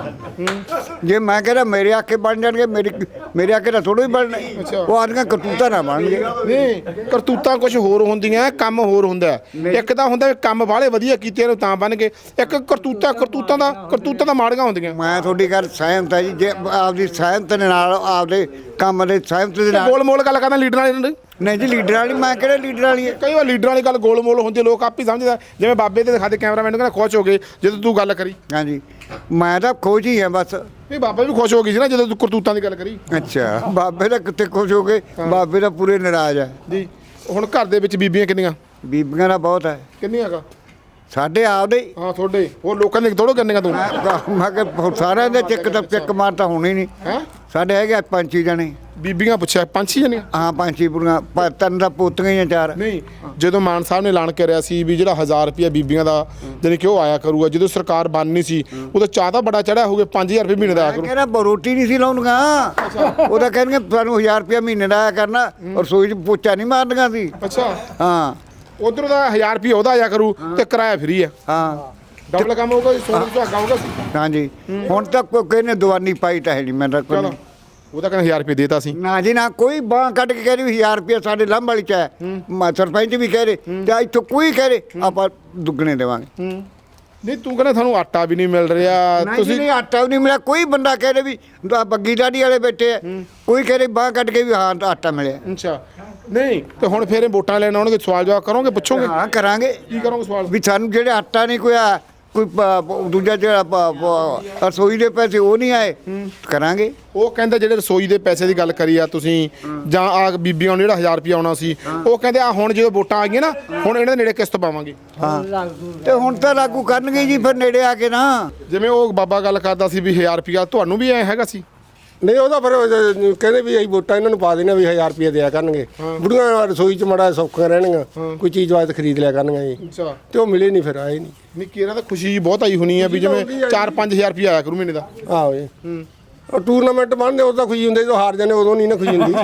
Speaker 6: ਜੇ ਮੈਂ ਕਹਿੰਦਾ ਮੇਰੇ ਆਕੇ ਬਣ ਜਾਣਗੇ, ਮੇਰੀ ਮੇਰੇ ਆਕੇ ਤਾਂ ਥੋੜ੍ਹੇ ਹੀ ਬਣਨੇ, ਉਹ ਆਪਦੀਆਂ ਕਰਤੂਤਾਂ ਨਾਲ ਬਣਨਗੇ।
Speaker 2: ਨਹੀਂ ਕਰਤੂਤਾਂ ਕੁਝ ਹੋਰ ਹੁੰਦੀਆਂ ਕੰਮ ਹੋਰ ਹੁੰਦਾ ਹੈ। ਇੱਕ ਤਾਂ ਹੁੰਦਾ ਵੀ ਕੰਮ ਵਾਲੇ ਵਧੀਆ ਕੀਤੇ ਨੇ ਤਾਂ ਬਣ ਗਏ ਇੱਕ ਕਰਤੂਤਾਂ ਕਰਤੂਤਾਂ ਦਾ ਕਰਤੂਤਾਂ ਦਾ ਮਾੜੀਆਂ ਹੁੰਦੀਆਂ
Speaker 6: ਮੈਂ ਤੁਹਾਡੀ ਗੱਲ ਸਹਿਮਤ ਹੈ ਜੀ, ਜੇ ਆਪਦੀ ਸਹਿਮਤ ਦੇ ਨਾਲ ਆਪਦੇ ਕੰਮ ਦੇ ਸਹਿਮਤ ਦੇ ਨਾਲ।
Speaker 2: ਗੋਲ ਮੋਲ ਗੱਲ ਕਰਦਾ ਲੀਡਰ ਵਾਲੇ
Speaker 6: ਨਹੀਂ ਜੀ ਲੀਡਰ ਵਾਲੀ ਮੈਂ ਕਿਹੜੇ ਲੀਡਰ ਵਾਲੀ ਹੈ।
Speaker 2: ਕਈ ਵਾਰ ਲੀਡਰਾਂ ਵਾਲੀ ਗੱਲ ਗੋਲ ਮੋਲ ਹੁੰਦੀ ਲੋਕ ਆਪ ਹੀ ਸਮਝਦਾ ਜਿਵੇਂ ਬਾਬੇ ਦੇ ਦਿਖਾਦੇ ਕੈਮਰਾਮੈਨ ਨੂੰ ਕਹਿੰਦਾ ਖੁਸ਼ ਹੋ ਗਏ ਜਦੋਂ ਤੂੰ ਗੱਲ ਕਰੀ
Speaker 6: ਹਾਂਜੀ ਮੈਂ ਤਾਂ ਖੁਸ਼ ਹੀ ਹਾਂ ਬਸ।
Speaker 2: ਨਹੀਂ ਬਾਬਾ ਵੀ ਖੁਸ਼ ਹੋ ਗਈ ਸੀ ਨਾ ਜਦੋਂ ਤੂੰ ਕਰਤੂਤਾਂ ਦੀ ਗੱਲ ਕਰੀ
Speaker 6: ਅੱਛਾ ਬਾਬੇ ਦਾ ਕਿੱਥੇ ਖੁਸ਼ ਹੋ ਗਏ, ਬਾਬੇ ਦਾ ਪੂਰੇ ਨਾਰਾਜ਼ ਹੈ
Speaker 2: ਜੀ ਹੁਣ ਘਰ ਦੇ ਵਿੱਚ ਬੀਬੀਆਂ ਕਿੰਨੀਆਂ
Speaker 6: ਬੀਬੀਆਂ ਦਾ ਬਹੁਤ ਹੈ
Speaker 2: ਕਿੰਨੀਆਂ ਹੈਗਾ
Speaker 6: ਸਾਡੇ ਆਪਦੇ ਹੀ।
Speaker 2: ਹਾਂ ਤੁਹਾਡੇ ਉਹ ਲੋਕਾਂ ਦੇ ਥੋੜੋ ਕਰਨੇਗਾ ਤੂੰ
Speaker 6: ਮੈਂ ਮੈਂ ਕਿਹਾ ਸਾਰਿਆਂ ਦੇ ਚੱਕ ਤਾਂ ਚੱਕ ਮਾਰ ਤਾਂ ਹੋਣੀ ਨਹੀਂ।
Speaker 2: ਹੈਂ
Speaker 6: ਸਾਡੇ ਹੈਗੇ ਪੰਜ ਛੇ ਜਣੇ।
Speaker 2: ਬੀਬੀਆਂ ਪੁੱਛਿਆ ਪੰਜ ਛੇ ਜਣੀਆਂ
Speaker 6: ਹਾਂ ਪੰਜ ਛੇ ਬੁੜੀਆਂ ਪ- ਤਿੰਨ ਦਾ ਪੋਤੀਆਂ ਹੀ ਆ ਚਾਰ।
Speaker 2: ਨਹੀਂ ਜਦੋਂ ਮਾਨ ਸਾਹਿਬ ਨੇ ਐਲਾਨ ਕਰਿਆ ਸੀ ਵੀ ਜਿਹੜਾ ਹਜ਼ਾਰ ਰੁਪਇਆ ਬੀਬੀਆਂ ਦਾ ਜਾਣੀ ਕਿ ਉਹ ਆਇਆ ਕਰੂਗਾ ਜਦੋਂ ਸਰਕਾਰ ਬਣਨੀ ਸੀ ਉਦੋਂ ਚਾਹ ਤਾਂ ਬੜਾ ਚੜਿਆ ਹੋਊਗਾ ਪੰਜ ਹਜ਼ਾਰ ਰੁਪਏ ਮਹੀਨੇ ਦਾ ਆਇਆ
Speaker 6: ਮੈਂ
Speaker 2: ਕਰੂ
Speaker 6: ਕਹਿੰਦਾ ਰੋਟੀ ਨਹੀਂ ਸੀ ਲਾਉਣੀਆਂ, ਉਹ ਤਾਂ ਕਹਿੰਦੇ ਤੁਹਾਨੂੰ ਹਜ਼ਾਰ ਰੁਪਇਆ ਮਹੀਨੇ ਦਾ ਆਇਆ ਕਰਨਾ, ਰਸੋਈ 'ਚ ਪੋਚਾ ਨਹੀਂ ਮਾਰਨੀਆਂ ਸੀ।
Speaker 2: ਅੱਛਾ
Speaker 6: ਹਾਂ
Speaker 2: ਉਧਰ ਦਾ ਹਜ਼ਾਰ ਰੁਪਇਆ ਉਹਦਾ ਆਇਆ ਕਰੂ ਤੇ ਕਿਰਾਇਆ ਫ੍ਰੀ ਆ
Speaker 6: ਹਾਂ
Speaker 2: ਡਬਲ ਕੰਮ ਹੋਊਗਾ ਸੋਨਾ ਸੁਹਾਗਾ ਹੋਊਗਾ ਸੀ
Speaker 6: ਹਾਂਜੀ ਹੁਣ ਤੱਕ ਕੋਈ ਕਹਿੰਦੇ ਦਵਾਨੀ ਪਾਈ ਤਾਂ ਹੈ ਨਹੀਂ ਮੈਂ ਤਾਂ ਕੋਈ
Speaker 2: ਚਲੋ ਉਹਦਾ ਕਹਿੰਦਾ ਹਜ਼ਾਰ ਰੁਪਏ ਦੇਤਾ ਸੀ
Speaker 6: ਨਾ ਜੀ ਨਾ ਕੋਈ ਬਾਂਹ ਕੱਢ ਕੇ ਕਹਿ ਰਹੀ ਹਜ਼ਾਰ ਰੁਪਇਆ ਸਾਡੇ ਲੰਬ ਵਾਲੀ ਚ ਹੈ, ਮੈਂ ਸਰਪੰਚ ਵੀ ਕਹਿ ਰਹੇ ਤੇ ਇੱਥੋਂ ਕੋਈ ਕਹਿ ਰਹੇ ਆਪਾਂ ਦੁੱਗਣੇ ਦੇਵਾਂਗੇ।
Speaker 2: ਨਹੀਂ ਤੂੰ ਕਹਿੰਦਾ ਤੁਹਾਨੂੰ ਆਟਾ ਵੀ ਨਹੀਂ ਮਿਲ ਰਿਹਾ
Speaker 6: ਤੁਸੀਂ
Speaker 2: ਤੁਸੀਂ
Speaker 6: ਨਹੀਂ ਆਟਾ ਵੀ ਨਹੀਂ ਮਿਲਿਆ, ਕੋਈ ਬੰਦਾ ਕਹਿ ਰਿਹਾ ਵੀ ਆਹ ਬੱਗੀ ਦਾੜੀ ਵਾਲੇ ਬੈਠੇ ਆ, ਕੋਈ ਕਹਿ ਰਿਹਾ ਬਾਂਹ ਕੱਢ ਕੇ ਵੀ ਹਾਂ ਆਟਾ ਮਿਲਿਆ।
Speaker 2: ਅੱਛਾ ਨਹੀਂ ਤੇ ਹੁਣ ਫੇਰ ਇਹ ਵੋਟਾਂ ਲੈਣ ਆਉਣਗੇ ਸਵਾਲ ਜਵਾਬ ਕਰੋਗੇ ਪੁੱਛੋਗੇ
Speaker 6: ਹਾਂ ਕਰਾਂਗੇ
Speaker 2: ਕੀ ਕਰੋਗੇ ਸਵਾਲ
Speaker 6: ਵੀ ਸਾਨੂੰ ਜਿਹੜੇ ਆਟਾ ਨਹੀਂ ਕੋਈ ਆ ਕੋਈ ਪ- ਦੂਜਾ ਜਿਹੜਾ ਪ- ਪ- ਰਸੋਈ ਦੇ ਪੈਸੇ ਉਹ ਨਹੀਂ ਆਏ, ਕਰਾਂਗੇ।
Speaker 2: ਉਹ ਕਹਿੰਦੇ ਜਿਹੜੇ ਰਸੋਈ ਦੇ ਪੈਸੇ ਦੀ ਗੱਲ ਕਰੀ ਆ ਤੁਸੀਂ ਜਾਂ ਆ ਬੀਬੀਆਂ ਨੂੰ ਜਿਹੜਾ ਹਜ਼ਾਰ ਰੁਪਇਆ ਆਉਣਾ ਸੀ ਉਹ ਕਹਿੰਦੇ ਆ ਹੁਣ ਜਦੋਂ ਵੋਟਾਂ ਆ ਗਈਆਂ ਨਾ ਹੁਣ ਇਹਨਾਂ ਦੇ ਨੇੜੇ ਕਿਸ਼ਤ ਪਾਵਾਂਗੇ
Speaker 6: ਹਾਂ ਤੇ ਹੁਣ ਤਾਂ ਲਾਗੂ ਕਰਨਗੇ ਜੀ ਫਿਰ ਨੇੜੇ ਆ ਕੇ ਨਾ।
Speaker 2: ਜਿਵੇਂ ਉਹ ਬਾਬਾ ਗੱਲ ਕਰਦਾ ਸੀ ਵੀ ਹਜ਼ਾਰ ਰੁਪਇਆ ਤੁਹਾਨੂੰ ਵੀ ਐ ਹੈਗਾ ਸੀ
Speaker 1: ਨਹੀਂ ਉਹਦਾ ਫਿਰ ਉਹ ਕਹਿੰਦੇ ਵੀ ਅਸੀਂ ਵੋਟਾਂ ਇਹਨਾਂ ਨੂੰ ਪਾ ਦੇਣਾ ਵੀ ਹਜ਼ਾਰ ਰੁਪਏ ਦਿਆ ਕਰਨਗੇ, ਬੁੜੀਆਂ ਰਸੋਈ 'ਚ ਮੜਾ ਸੌਖੀਆਂ ਰਹਿਣਗੀਆਂ, ਕੋਈ ਚੀਜ਼ ਵਾਸਤੇ ਖਰੀਦ ਲਿਆ ਕਰਨਗੀਆਂ ਜੀ।
Speaker 2: ਅੱਛਾ
Speaker 1: ਤੇ ਉਹ ਮਿਲੇ ਨਹੀਂ ਫਿਰ ਆਏ ਨਹੀਂ।
Speaker 2: ਨਹੀਂ ਕਿਹੜਾ ਤਾਂ ਖੁਸ਼ੀ ਬਹੁਤ ਆਈ ਹੋਣੀ ਆ ਵੀ ਜਿਵੇਂ ਚਾਰ ਪੰਜ ਹਜ਼ਾਰ ਰੁਪਇਆ ਆਇਆ ਕਰੂ ਮਹੀਨੇ ਦਾ
Speaker 1: ਆਹੋ ਜੀ ਉਹ ਟੂਰਨਾਮੈਂਟ ਬਣਦੇ ਉਦੋਂ ਖੁਸ਼ੀ ਹੁੰਦੀ ਜਦੋਂ ਹਾਰ ਜਾਂਦੇ ਉਦੋਂ ਨਹੀਂ ਨਾ ਖੁਸ਼ੀ ਹੁੰਦੀ।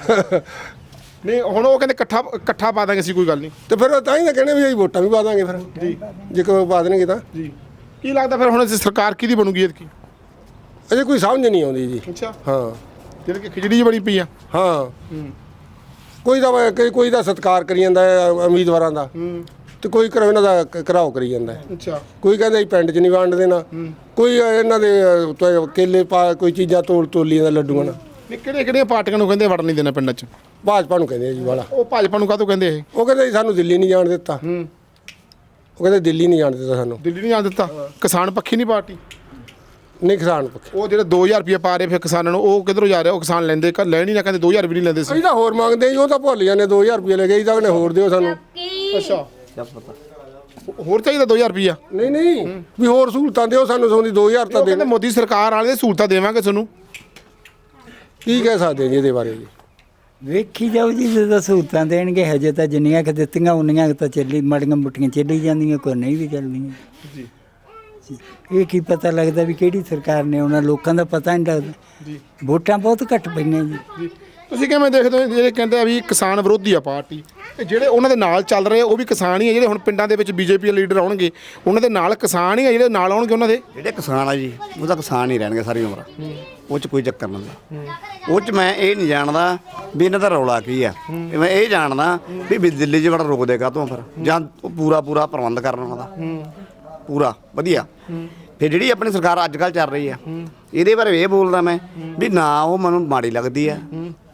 Speaker 2: ਨਹੀਂ ਹੁਣ ਉਹ ਕਹਿੰਦੇ ਇਕੱਠਾ ਇਕੱਠਾ ਪਾ ਦਾਂਗੇ ਅਸੀਂ ਕੋਈ ਗੱਲ ਨਹੀਂ
Speaker 1: ਤੇ ਫਿਰ ਉਹ ਤਾਂ ਹੀ ਤਾਂ ਕਹਿੰਦੇ ਵੀ ਅਸੀਂ ਵੋਟਾਂ ਵੀ ਪਾ ਦਾਂਗੇ ਫਿਰ ਜੀ ਜੇ ਕੋਈ ਪਾ ਦੇਣਗੇ ਤਾਂ।
Speaker 2: ਜੀ ਕੀ ਲੱਗਦਾ ਫਿਰ ਹੁਣ ਸਰਕਾਰ ਕਿਹਦੀ ਬਣੂਗੀ ਐਤਕੀ
Speaker 1: ਅਜੇ ਕੋਈ ਸਮਝ ਨਹੀਂ ਆਉਂਦੀ ਜੀ।
Speaker 2: ਅੱਛਾ
Speaker 1: ਹਾਂ
Speaker 2: ਜਿਹੜੇ ਕਿ ਖਿਚੜੀ ਜਿਹੀ ਬਣੀ ਪਈ ਆ
Speaker 1: ਹਾਂ ਕੋਈ ਦਾ ਕੋਈ ਕੋਈ ਦਾ ਸਤਿਕਾਰ ਕਰੀ ਜਾਂਦਾ ਹੈ ਉਮੀਦਵਾਰਾਂ ਦਾ ਤੇ ਕੋਈ ਕਰ ਇਹਨਾਂ ਦਾ ਕ- ਘਰਾਓ ਕਰੀ ਜਾਂਦਾ ਹੈ।
Speaker 2: ਅੱਛਾ
Speaker 1: ਕੋਈ ਕਹਿੰਦਾ ਅਸੀਂ ਪਿੰਡ 'ਚ ਨਹੀਂ ਵੰਡ ਦੇਣਾ, ਕੋਈ ਇਹਨਾਂ ਦੇ ਅ, ਤ- ਕੇਲੇ ਪਾ ਕੋਈ ਚੀਜ਼ਾਂ ਤੋਲ ਤੋਲੀ ਦਾ ਲੱਡੂਆਂ ਨਾਲ
Speaker 2: ਨਹੀਂ ਕਿਹੜੀਆਂ ਕਿਹੜੀਆਂ ਪਾਰਟੀਆਂ ਨੂੰ ਕਹਿੰਦੇ ਵੜ ਨਹੀਂ ਦੇਣਾ ਪਿੰਡਾਂ 'ਚ?
Speaker 1: ਭਾਜਪਾ ਨੂੰ ਕਹਿੰਦੇ ਆ ਜੀ ਵਾਲਾ।
Speaker 2: ਉਹ ਭਾਜਪਾ ਨੂੰ ਕਾਹਤੋਂ ਕਹਿੰਦੇ ਇਹ?
Speaker 1: ਉਹ ਕਹਿੰਦੇ ਜੀ ਸਾਨੂੰ ਦਿੱਲੀ ਨਹੀਂ ਜਾਣ ਦਿੱਤਾ। ਉਹ ਕਹਿੰਦੇ ਦਿੱਲੀ ਨਹੀਂ ਜਾਣ ਦਿੱਤਾ ਸਾਨੂੰ।
Speaker 2: ਦਿੱਲੀ ਨਹੀਂ ਜਾਣ ਦਿੱਤਾ। ਕਿਸਾਨ ਪੱਖੀ ਨਹੀਂ ਪਾਰਟੀ?
Speaker 1: ਨਹੀਂ ਕਿਸਾਨ ਪੱਖੇ।
Speaker 2: ਉਹ ਜਿਹੜੇ ਦੋ ਹਜ਼ਾਰ ਰੁਪਏ ਪਾ ਰਹੇ ਫਿਰ ਕਿਸਾਨਾਂ ਨੂੰ, ਉਹ ਕਿੱਧਰੋਂ ਜਾ ਰਿਹਾ? ਉਹ ਕਿਸਾਨ ਲੈਂਦੇ ਕਰ ਲੈਣ ਹੀ ਨਾ, ਕਹਿੰਦੇ ਦੋ ਹਜ਼ਾਰ ਵੀ ਨਹੀਂ ਲੈਂਦੇ ਸੀ।
Speaker 1: ਅਸੀਂ ਤਾਂ ਹੋਰ ਮੰਗਦੇ ਜੀ, ਉਹ ਤਾਂ ਭੁੱਲ ਜਾਂਦੇ ਦੋ ਹਜ਼ਾਰ ਰੁਪਏ ਲੈ ਗਏ ਜੀ, ਤਾਂ ਕਹਿੰਦੇ ਹੋਰ ਦਿਓ ਸਾਨੂੰ।
Speaker 2: ਅੱਛਾ ਹੋਰ ਚਾਹੀਦਾ ਦੋ ਹਜ਼ਾਰ ਰੁਪਈਆ?
Speaker 1: ਨਹੀਂ ਨਹੀਂ ਵੀ ਹੋਰ ਸਹੂਲਤਾਂ ਦਿਓ ਸਾਨੂੰ, ਸੋਨੀ ਦੋ ਹਜ਼ਾਰ ਤਾਂ
Speaker 2: ਉਹ
Speaker 1: ਦੇ।
Speaker 2: ਕਹਿੰਦੇ ਮੋਦੀ ਸਰਕਾਰ ਵਾਲੇ ਸਹੂਲਤਾਂ ਦੇਵਾਂਗੇ ਤੁਹਾਨੂੰ।
Speaker 1: ਕੀ ਕਹਿ ਸਕਦੇ ਜੀ ਇਹਦੇ ਬਾਰੇ ਜੀ?
Speaker 4: ਵੇਖੀ ਜਾਓ ਜੀ, ਜਦੋਂ ਸਹੂਲਤਾਂ ਦੇਣਗੇ। ਹਜੇ ਤਾਂ ਜਿੰਨੀਆਂ ਕਿ ਦਿੱਤੀਆਂ ਉਨੀਆਂ ਕੁ ਤਾਂ ਚੱਲੀ, ਮਾੜੀਆਂ ਮੁੱਟੀਆਂ ਚੱਲੀ ਜਾਂਦੀਆਂ, ਕੋਈ ਨਹੀਂ ਵੀ ਚੱਲਦੀਆਂ ਜੀ। ਇਹ ਕੀ ਪਤਾ ਲੱਗਦਾ ਵੀ ਕਿਹੜੀ ਸਰਕਾਰ ਨੇ ਆਉਣਾ, ਲੋਕਾਂ ਦਾ ਪਤਾ ਨਹੀਂ ਲੱਗਦਾ ਜੀ। ਵੋਟਾਂ ਬਹੁਤ ਘੱਟ ਪਈਆਂ ਜੀ।
Speaker 2: ਤੁਸੀਂ ਕਿਵੇਂ ਦੇਖਦੇ ਹੋ ਜਿਹੜੇ ਕਹਿੰਦੇ ਆ ਵੀ ਕਿਸਾਨ ਵਿਰੋਧੀ ਆ ਪਾਰਟੀ, ਤੇ ਜਿਹੜੇ ਉਹਨਾਂ ਦੇ ਨਾਲ ਚੱਲ ਰਹੇ ਉਹ ਵੀ ਕਿਸਾਨ ਹੀ ਆ? ਜਿਹੜੇ ਹੁਣ ਪਿੰਡਾਂ ਦੇ ਵਿੱਚ ਬੀਜੇਪੀ ਦੇ ਲੀਡਰ ਆਉਣਗੇ ਉਹਨਾਂ ਦੇ ਨਾਲ ਕਿਸਾਨ ਹੀ ਆ ਜਿਹੜੇ ਨਾਲ ਆਉਣਗੇ ਉਹਨਾਂ ਦੇ?
Speaker 3: ਜਿਹੜੇ ਕਿਸਾਨ ਆ ਜੀ ਉਹ ਤਾਂ ਕਿਸਾਨ ਹੀ ਰਹਿਣਗੇ ਸਾਰੀ ਉਮਰ, ਉਹ 'ਚ ਕੋਈ ਚੱਕਰ ਨਹੀਂ। ਉਹ 'ਚ ਮੈਂ ਇਹ ਨਹੀਂ ਜਾਣਦਾ ਵੀ ਇਹਨਾਂ ਦਾ ਰੌਲਾ ਕੀ ਆ। ਮੈਂ ਇਹ ਜਾਣਦਾ ਵੀ ਵੀ ਦਿੱਲੀ 'ਚ ਬੜਾ ਰੁਕਦੇ ਕਾਹਤੋਂ ਫਿਰ, ਜਾਂ ਉਹ ਪੂਰਾ ਪੂਰਾ ਪ੍ਰਬੰਧ ਕਰਨ ਉਹਨਾਂ ਦਾ ਪੂਰਾ ਵਧੀਆ। ਫਿਰ ਜਿਹੜੀ ਆਪਣੀ ਸਰਕਾਰ ਅੱਜ ਕੱਲ੍ਹ ਚੱਲ ਰਹੀ ਆ, ਇਹਦੇ ਬਾਰੇ ਇਹ ਬੋਲਦਾ ਮੈਂ ਵੀ ਨਾ ਉਹ ਮੈਨੂੰ ਮਾੜੀ ਲੱਗਦੀ ਆ,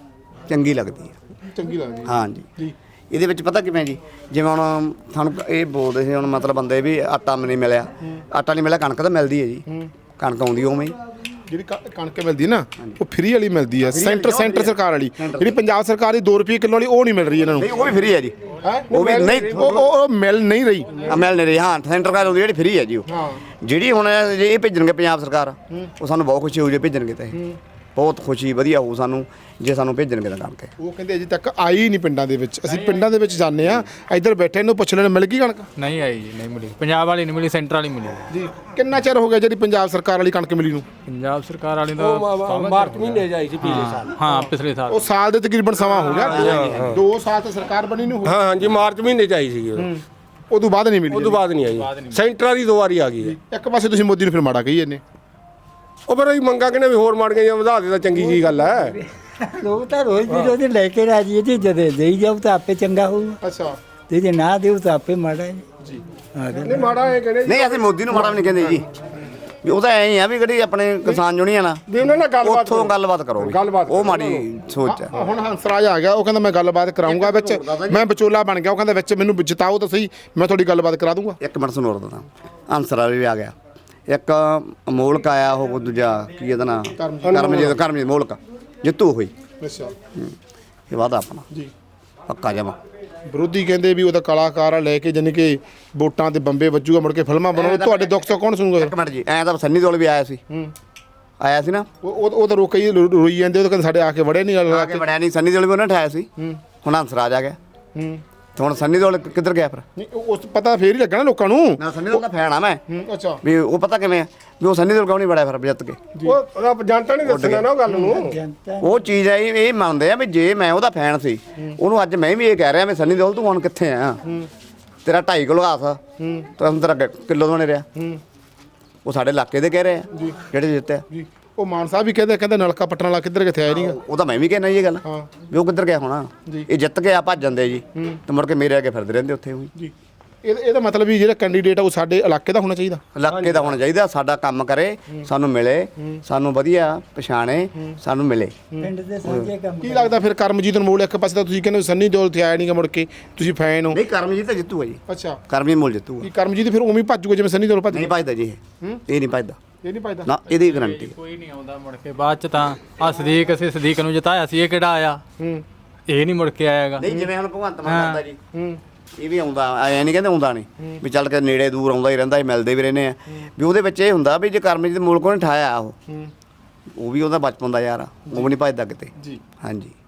Speaker 3: ਚੰਗੀ ਲੱਗਦੀ ਆ।
Speaker 2: ਚੰਗੀ ਲੱਗਦੀ
Speaker 3: ਹਾਂਜੀ। ਇਹਦੇ ਵਿੱਚ ਪਤਾ ਕਿਵੇਂ ਜੀ, ਜਿਵੇਂ ਹੁਣ ਸਾਨੂੰ ਇਹ ਬੋਲਦੇ ਸੀ ਹੁਣ ਮਤਲਬ ਬੰਦੇ ਵੀ ਆਟਾ ਨਹੀਂ ਮਿਲਿਆ, ਆਟਾ ਨਹੀਂ ਮਿਲਿਆ, ਕਣਕ ਤਾਂ ਮਿਲਦੀ ਹੈ ਜੀ, ਕਣਕ ਆਉਂਦੀ ਉਵੇਂ ਹੀ।
Speaker 2: ਜਿਹੜੀ ਕ- ਕਣਕ ਮਿਲਦੀ ਨਾ ਉਹ ਫ੍ਰੀ ਵਾਲੀ ਮਿਲਦੀ ਆ, ਸੈਂਟਰ ਸੈਂਟਰ ਸਰਕਾਰ ਵਾਲੀ। ਜਿਹੜੀ ਪੰਜਾਬ ਸਰਕਾਰ ਦੀ ਦੋ ਰੁਪਏ ਕਿਲੋ ਵਾਲੀ ਉਹ ਨਹੀਂ ਮਿਲ ਰਹੀ ਇਹਨਾਂ ਨੂੰ।
Speaker 3: ਨਹੀਂ ਉਹ ਵੀ ਫ੍ਰੀ ਹੈ ਜੀ,
Speaker 2: ਉਹ ਵੀ ਨਹੀਂ, ਉਹ ਉਹ- ਉਹ ਮਿਲ ਨਹੀਂ ਰਹੀ।
Speaker 3: ਆ ਮਿਲ ਨਹੀਂ ਰਹੀ। ਹਾਂ ਸੈਂਟਰ ਸਰਕਾਰ ਹੁੰਦੀ ਜਿਹੜੀ ਫ੍ਰੀ ਹੈ ਜੀ ਉਹ। ਜਿਹੜੀ ਹੁਣ ਜੇ ਇਹ ਭੇਜਣਗੇ ਪੰਜਾਬ ਸਰਕਾਰ, ਉਹ ਸਾਨੂੰ ਬਹੁਤ ਖੁਸ਼ੀ ਹੋਊ ਜੇ ਭੇਜਣਗੇ ਤਾਂ ਇਹ ਬਹੁਤ ਖੁਸ਼ੀ ਵਧੀਆ ਹੋਊ ਸਾਨੂੰ ਜੇ ਸਾਨੂੰ ਭੇਜਣਗੇ ਤਾਂ ਕਣਕ।
Speaker 2: ਉਹ ਕਹਿੰਦੇ ਅਜੇ ਤੱਕ ਆਈ ਨਹੀਂ ਪਿੰਡਾਂ ਦੇ ਵਿੱਚ। ਅਸੀਂ ਪਿੰਡਾਂ ਦੇ ਵਿੱਚ ਜਾਂਦੇ ਆ, ਇੱਧਰ ਬੈਠੇ ਨੂੰ ਪੁੱਛ ਲੈਣ ਮਿਲ ਗਈ ਕਣਕ?
Speaker 8: ਨਹੀਂ ਆਈ ਜੀ, ਨਹੀਂ ਮਿਲੀ। ਪੰਜਾਬ ਵਾਲੀ ਨਹੀਂ ਮਿਲੀ, ਸੈਂਟਰ ਵਾਲੀ ਮਿਲੀ
Speaker 2: ਜੀ। ਕਿੰਨਾ ਚਿਰ ਹੋ ਗਿਆ ਜਿਹੜੀ ਪੰਜਾਬ ਸਰਕਾਰ ਵਾਲੀ ਕਣਕ ਮਿਲੀ ਨੂੰ?
Speaker 8: ਪੰਜਾਬ ਸਰਕਾਰ ਵਾਲੀ ਦਾ
Speaker 1: ਮਾਰਚ ਮਹੀਨੇ ਜਾਈ ਸੀ ਪਿਛਲੇ ਸਾਲ।
Speaker 8: ਹਾਂ ਪਿਛਲੇ ਸਾਲ।
Speaker 2: ਉਹ ਸਾਲ ਦੇ ਤਕਰੀਬਨ ਸਮਾਂ ਹੋ ਗਿਆ, ਦੋ ਸਾਲ ਤੇ ਸਰਕਾਰ ਬਣੀ ਨੂੰ।
Speaker 1: ਹਾਂ ਹਾਂਜੀ ਮਾਰਚ ਮਹੀਨੇ ਚ ਆਈ ਸੀ ਉਹ।
Speaker 2: ਉਦੋਂ ਬਾਅਦ ਨਹੀਂ ਮਿਲੀ।
Speaker 1: ਉਹ ਤੋਂ ਬਾਅਦ ਨਹੀਂ ਆਈ, ਸੈਂਟਰਾਂ ਦੀ ਦੋ ਵਾਰੀ ਆ ਗਈ ਹੈ।
Speaker 2: ਇੱਕ ਪਾਸੇ ਤੁਸੀਂ ਮੋਦੀ ਨੂੰ ਫਿਰ ਮਾੜਾ ਕਹੀ ਜਾਂਦੇ।
Speaker 1: ਉਹ ਫਿਰ ਅਸੀਂ ਮੰਗਾ ਕਿਨੇ ਵੀ ਹੋਰ ਮਾੜ ਗਈਆਂ, ਵਧਾ ਦੇ ਤਾਂ ਚੰਗੀ ਜੀ ਗੱਲ ਹੈ।
Speaker 4: ਲੋਕ ਤਾਂ ਰੋਜ਼ ਦੀ ਰੋਜ਼ ਲੈ ਕੇ ਰਾਜੀ ਜੀ, ਜਦੋਂ ਦੇਈ ਜਾਓ ਤਾਂ ਆਪੇ ਚੰਗਾ ਹੋਊਗਾ,
Speaker 2: ਅੱਛਾ
Speaker 4: ਤੇ ਜੇ ਨਾ ਦਿਓ ਤਾਂ ਆਪੇ ਮਾੜਾ ਹੈ ਜੀ। ਆ ਗਿਆ।
Speaker 1: ਨਹੀਂ ਮਾੜਾ ਇਹ ਕਹਿੰਦੇ
Speaker 3: ਨਹੀਂ ਅਸੀਂ ਮੋਦੀ ਨੂੰ ਮਾੜਾ ਵੀ ਨਹੀਂ ਕਹਿੰਦੇ ਜੀ, ਵੀ ਉਹ ਤਾਂ ਐਂ ਹੀ ਆ ਵੀ ਜਿਹੜੀ ਆਪਣੇ ਕਿਸਾਨ ਯੂਨੀਅਨ ਆ
Speaker 1: ਵੀ ਉਹਨਾਂ ਨਾਲ ਗੱਲਬਾਤ
Speaker 3: ਉੱਥੋਂ ਗੱਲਬਾਤ ਕਰੋ ਵੀ।
Speaker 1: ਗੱਲਬਾਤ
Speaker 3: ਉਹ ਮਾੜੀ ਸੋਚ ਹੈ।
Speaker 2: ਹੁਣ ਹੰਸਰਾਜ ਆ ਗਿਆ, ਉਹ ਕਹਿੰਦਾ ਮੈਂ ਗੱਲਬਾਤ ਕਰਾਉਂਗਾ ਵਿੱਚ, ਮੈਂ ਵਿਚੋਲਾ ਬਣ ਗਿਆ। ਉਹ ਕਹਿੰਦਾ ਵਿੱਚ ਮੈਨੂੰ ਜਿਤਾਓ ਤਾਂ ਸਹੀ, ਮੈਂ ਤੁਹਾਡੀ ਗੱਲਬਾਤ ਕਰਾ ਦੂੰਗਾ।
Speaker 3: ਇੱਕ ਮਿੰਟ ਸੁਣੋ ਰਦਾ ਅੰਸਰਾ ਵੀ ਆ ਗਿਆ, ਇੱਕ ਮੋਲਕ ਆਇਆ, ਉਹ ਦੂਜਾ ਕੀ ਇਹਦਾ ਨਾਂ ਕਰਮਜੀਤ ਕਰਮਜੀਤ ਮੋਲਕ ਜਿੱਤੂ ਹੋਈ।
Speaker 2: ਅੱਛਾ
Speaker 3: ਇਹ ਵਾਦਾ ਆਪਣਾ
Speaker 2: ਜੀ
Speaker 3: ਪੱਕਾ ਜਮਾ।
Speaker 2: ਵਿਰੋਧੀ ਕਹਿੰਦੇ ਵੀ ਉਹਦਾ ਕਲਾਕਾਰ ਆ ਲੈ ਕੇ ਜਾਨੀ ਕਿ ਵੋਟਾਂ ਤੇ ਬੰਬੇ ਵੱਜੂਗਾ, ਮੁੜ ਕੇ ਫਿਲਮਾਂ ਬਣਾਉਣ। ਤੁਹਾਡੇ ਦੁੱਖ ਸੁੱਖ ਕੌਣ ਸੁਣੂਗਾ?
Speaker 3: ਇੱਕ ਮਿੰਟ ਜੀ, ਐਂ ਤਾਂ ਸੰਨੀ ਦਿਓਲ ਵੀ ਆਇਆ ਸੀ, ਆਇਆ ਸੀ ਨਾ।
Speaker 2: ਉਹ ਉਹ ਉਹ ਤਾਂ ਰੋਕਈ ਰੋਈ ਜਾਂਦੇ, ਉਹ ਤਾਂ ਕਹਿੰਦੇ ਸਾਡੇ ਆ ਕੇ ਵੜੇ ਨਹੀਂ ਗੱਲ
Speaker 3: ਆ ਕੇ ਬੜਿਆ ਨਹੀਂ, ਸੰਨੀ ਦਿਓਲ ਵੀ ਉਹਨੇ ਠਾਇਆ ਸੀ। ਹੁਣ ਹੰਸਰਾਜ ਆ ਗਿਆ, ਤੇ ਹੁਣ ਸੰਨੀ ਦਿਓਲ ਕਿੱਧਰ ਗਿਆ ਫਿਰ?
Speaker 2: ਨਹੀਂ ਉਸ ਪਤਾ ਫੇਰ ਹੀ ਲੱਗਣਾ ਲੋਕਾਂ ਨੂੰ।
Speaker 3: ਨਾ ਸੰਨੀ ਦਿਓਲ ਦਾ ਫੈਨ ਆ ਮੈਂ,
Speaker 2: ਅੱਛਾ
Speaker 3: ਵੀ ਉਹ ਪਤਾ ਕਿਵੇਂ ਆ ਵੀ ਉਹ ਸੰਨੀ ਦਿਓਲ ਕਿਉਂ ਨਹੀਂ ਬੜਿਆ ਫਿਰ ਜਿੱਤ ਕੇ।
Speaker 1: ਉਹ ਰੱਬ ਜਨਤਾ ਨਹੀਂ ਦੱਸਣਾ ਨਾ ਉਹ ਗੱਲ ਨੂੰ।
Speaker 4: ਜਨਤਾ
Speaker 3: ਉਹ ਚੀਜ਼ ਹੈ ਇਹ ਇਹ ਮੰਨਦੇ ਆ ਵੀ ਜੇ ਮੈਂ ਉਹਦਾ ਫੈਨ ਸੀ, ਉਹਨੂੰ ਅੱਜ ਮੈਂ ਵੀ ਇਹ ਕਹਿ ਰਿਹਾ ਵੀ ਸੰਨੀ ਦਿਓਲ ਤੂੰ ਹੁਣ ਕਿੱਥੇ ਆ, ਤੇਰਾ ਢਾਈ ਕਿਲੋ ਹਾਸ ਤਾਂ ਹੁਣ ਤੇਰਾ ਕਿਲੋ ਬਣੇ ਰਿਹਾ। ਉਹ ਸਾਡੇ ਇਲਾਕੇ ਦੇ ਕਹਿ ਰਹੇ ਆ ਜਿਹੜੇ ਜਿੱਤੇ
Speaker 2: ਜੀ। ਉਹ ਮਾਨ ਸਾਹਿਬ ਵੀ ਕਹਿੰਦੇ ਕਹਿੰਦੇ ਨਲਕਾ ਪੱਟਣ ਵਾਲਾ ਕਿੱਧਰ ਕਿੱਥੇ ਆਇਆ ਨਹੀਂਗਾ।
Speaker 3: ਉਹ ਤਾਂ ਮੈਂ ਵੀ ਕਹਿਣਾ ਇਹ ਗੱਲ
Speaker 2: ਹਾਂ
Speaker 3: ਵੀ ਉਹ ਕਿੱਧਰ ਗਿਆ ਹੋਣਾ। ਇਹ ਜਿੱਤ ਕੇ ਆ ਭੱਜ ਜਾਂਦੇ ਜੀ, ਤੇ ਮੁੜ ਕੇ ਮੇਰੇ ਅੱਗੇ ਫਿਰਦੇ ਰਹਿੰਦੇ ਉੱਥੇ ਹੀ।
Speaker 2: ਜੀ ਇਹ ਇਹਦਾ ਮਤਲਬ ਵੀ ਜਿਹੜਾ ਕੈਂਡੀਡੇਟ ਆ ਉਹ ਸਾਡੇ ਇਲਾਕੇ ਦਾ ਹੋਣਾ ਚਾਹੀਦਾ।
Speaker 3: ਇਲਾਕੇ ਦਾ ਹੋਣਾ ਚਾਹੀਦਾ, ਸਾਡਾ ਕੰਮ ਕਰੇ, ਸਾਨੂੰ ਮਿਲੇ, ਸਾਨੂੰ ਵਧੀਆ ਪਛਾਣੇ, ਸਾਨੂੰ ਮਿਲੇ।
Speaker 4: ਪਿੰਡ ਦੇ ਸਾਂਝੇ ਕੰਮ
Speaker 2: ਕੀ ਲੱਗਦਾ ਫਿਰ ਕਰਮਜੀਤ ਅਨਮੋਲ ਇੱਕ ਪਾਸੇ ਤਾਂ ਤੁਸੀਂ ਕਹਿੰਦੇ ਸੰਨੀ ਦਿਓਲ ਤੇ ਆਇਆ ਨਹੀਂਗਾ, ਮੁੜ ਕੇ ਤੁਸੀਂ ਫੈਨ ਹੋ।
Speaker 3: ਨਹੀਂ ਕਰਮਜੀਤ ਤਾਂ ਜਿੱਤੂਗਾ ਜੀ,
Speaker 2: ਅੱਛਾ
Speaker 3: ਕਰਮਜੀਤ ਮੋਲ ਜਿੱਤੂਗਾ।
Speaker 2: ਕੀ ਕਰਮਜੀਤ ਫਿਰ ਉਵੇਂ ਹੀ ਭੱਜੂਗਾ ਜਿਵੇਂ ਸੰਨੀ ਦਿਓਲ ਭੱਜ
Speaker 3: ਨਹੀਂ ਭੱਜਦਾ ਜੀ ਇਹ, ਇਹ ਨਹੀਂ ਭੱਜਦਾ
Speaker 2: ਇਹ ਨਹੀਂ ਭੱਜਦਾ
Speaker 3: ਨਾ, ਇਹਦੀ ਗਰੰਟੀ।
Speaker 8: ਕੋਈ ਨਹੀਂ ਆਉਂਦਾ ਮੁੜ ਕੇ ਬਾਅਦ ਚ ਤਾਂ। ਆ ਸਦੀਕ, ਅਸੀਂ ਸਦੀਕ ਨੂੰ ਜਿਤਾਇਆ ਸੀ, ਇਹ ਕਿਹੜਾ ਆਇਆ? ਇਹ ਨਹੀਂ ਮੁੜ ਕੇ ਆਏਗਾ।
Speaker 3: ਨਹੀਂ ਜਿਵੇਂ ਹੁਣ ਭਗਵੰਤ ਮਾਨ ਕਰਦਾ ਜੀ, ਇਹ ਵੀ ਆਉਂਦਾ, ਐ ਨਹੀਂ ਕਹਿੰਦੇ ਆਉਂਦਾ ਨਹੀਂ, ਵੀ ਚੱਲ ਕੇ ਨੇੜੇ ਦੂਰ ਆਉਂਦਾ ਹੀ ਰਹਿੰਦਾ, ਹੀ ਮਿਲਦੇ ਵੀ ਰਹਿੰਦੇ ਆ। ਵੀ ਉਹਦੇ ਵਿੱਚ ਇਹ ਹੁੰਦਾ ਵੀ ਜੇ ਕਰਮਜੀਤ ਮੁਲਕ ਨੇ ਠਾਇਆ ਉਹ ਉਹ ਵੀ ਉਹਦਾ ਬਚਪਨ ਦਾ ਯਾਰ ਆ, ਉਹ ਵੀ ਨਹੀਂ ਭੱਜਦਾ ਕਿਤੇ।
Speaker 2: ਜੀ
Speaker 3: ਹਾਂਜੀ।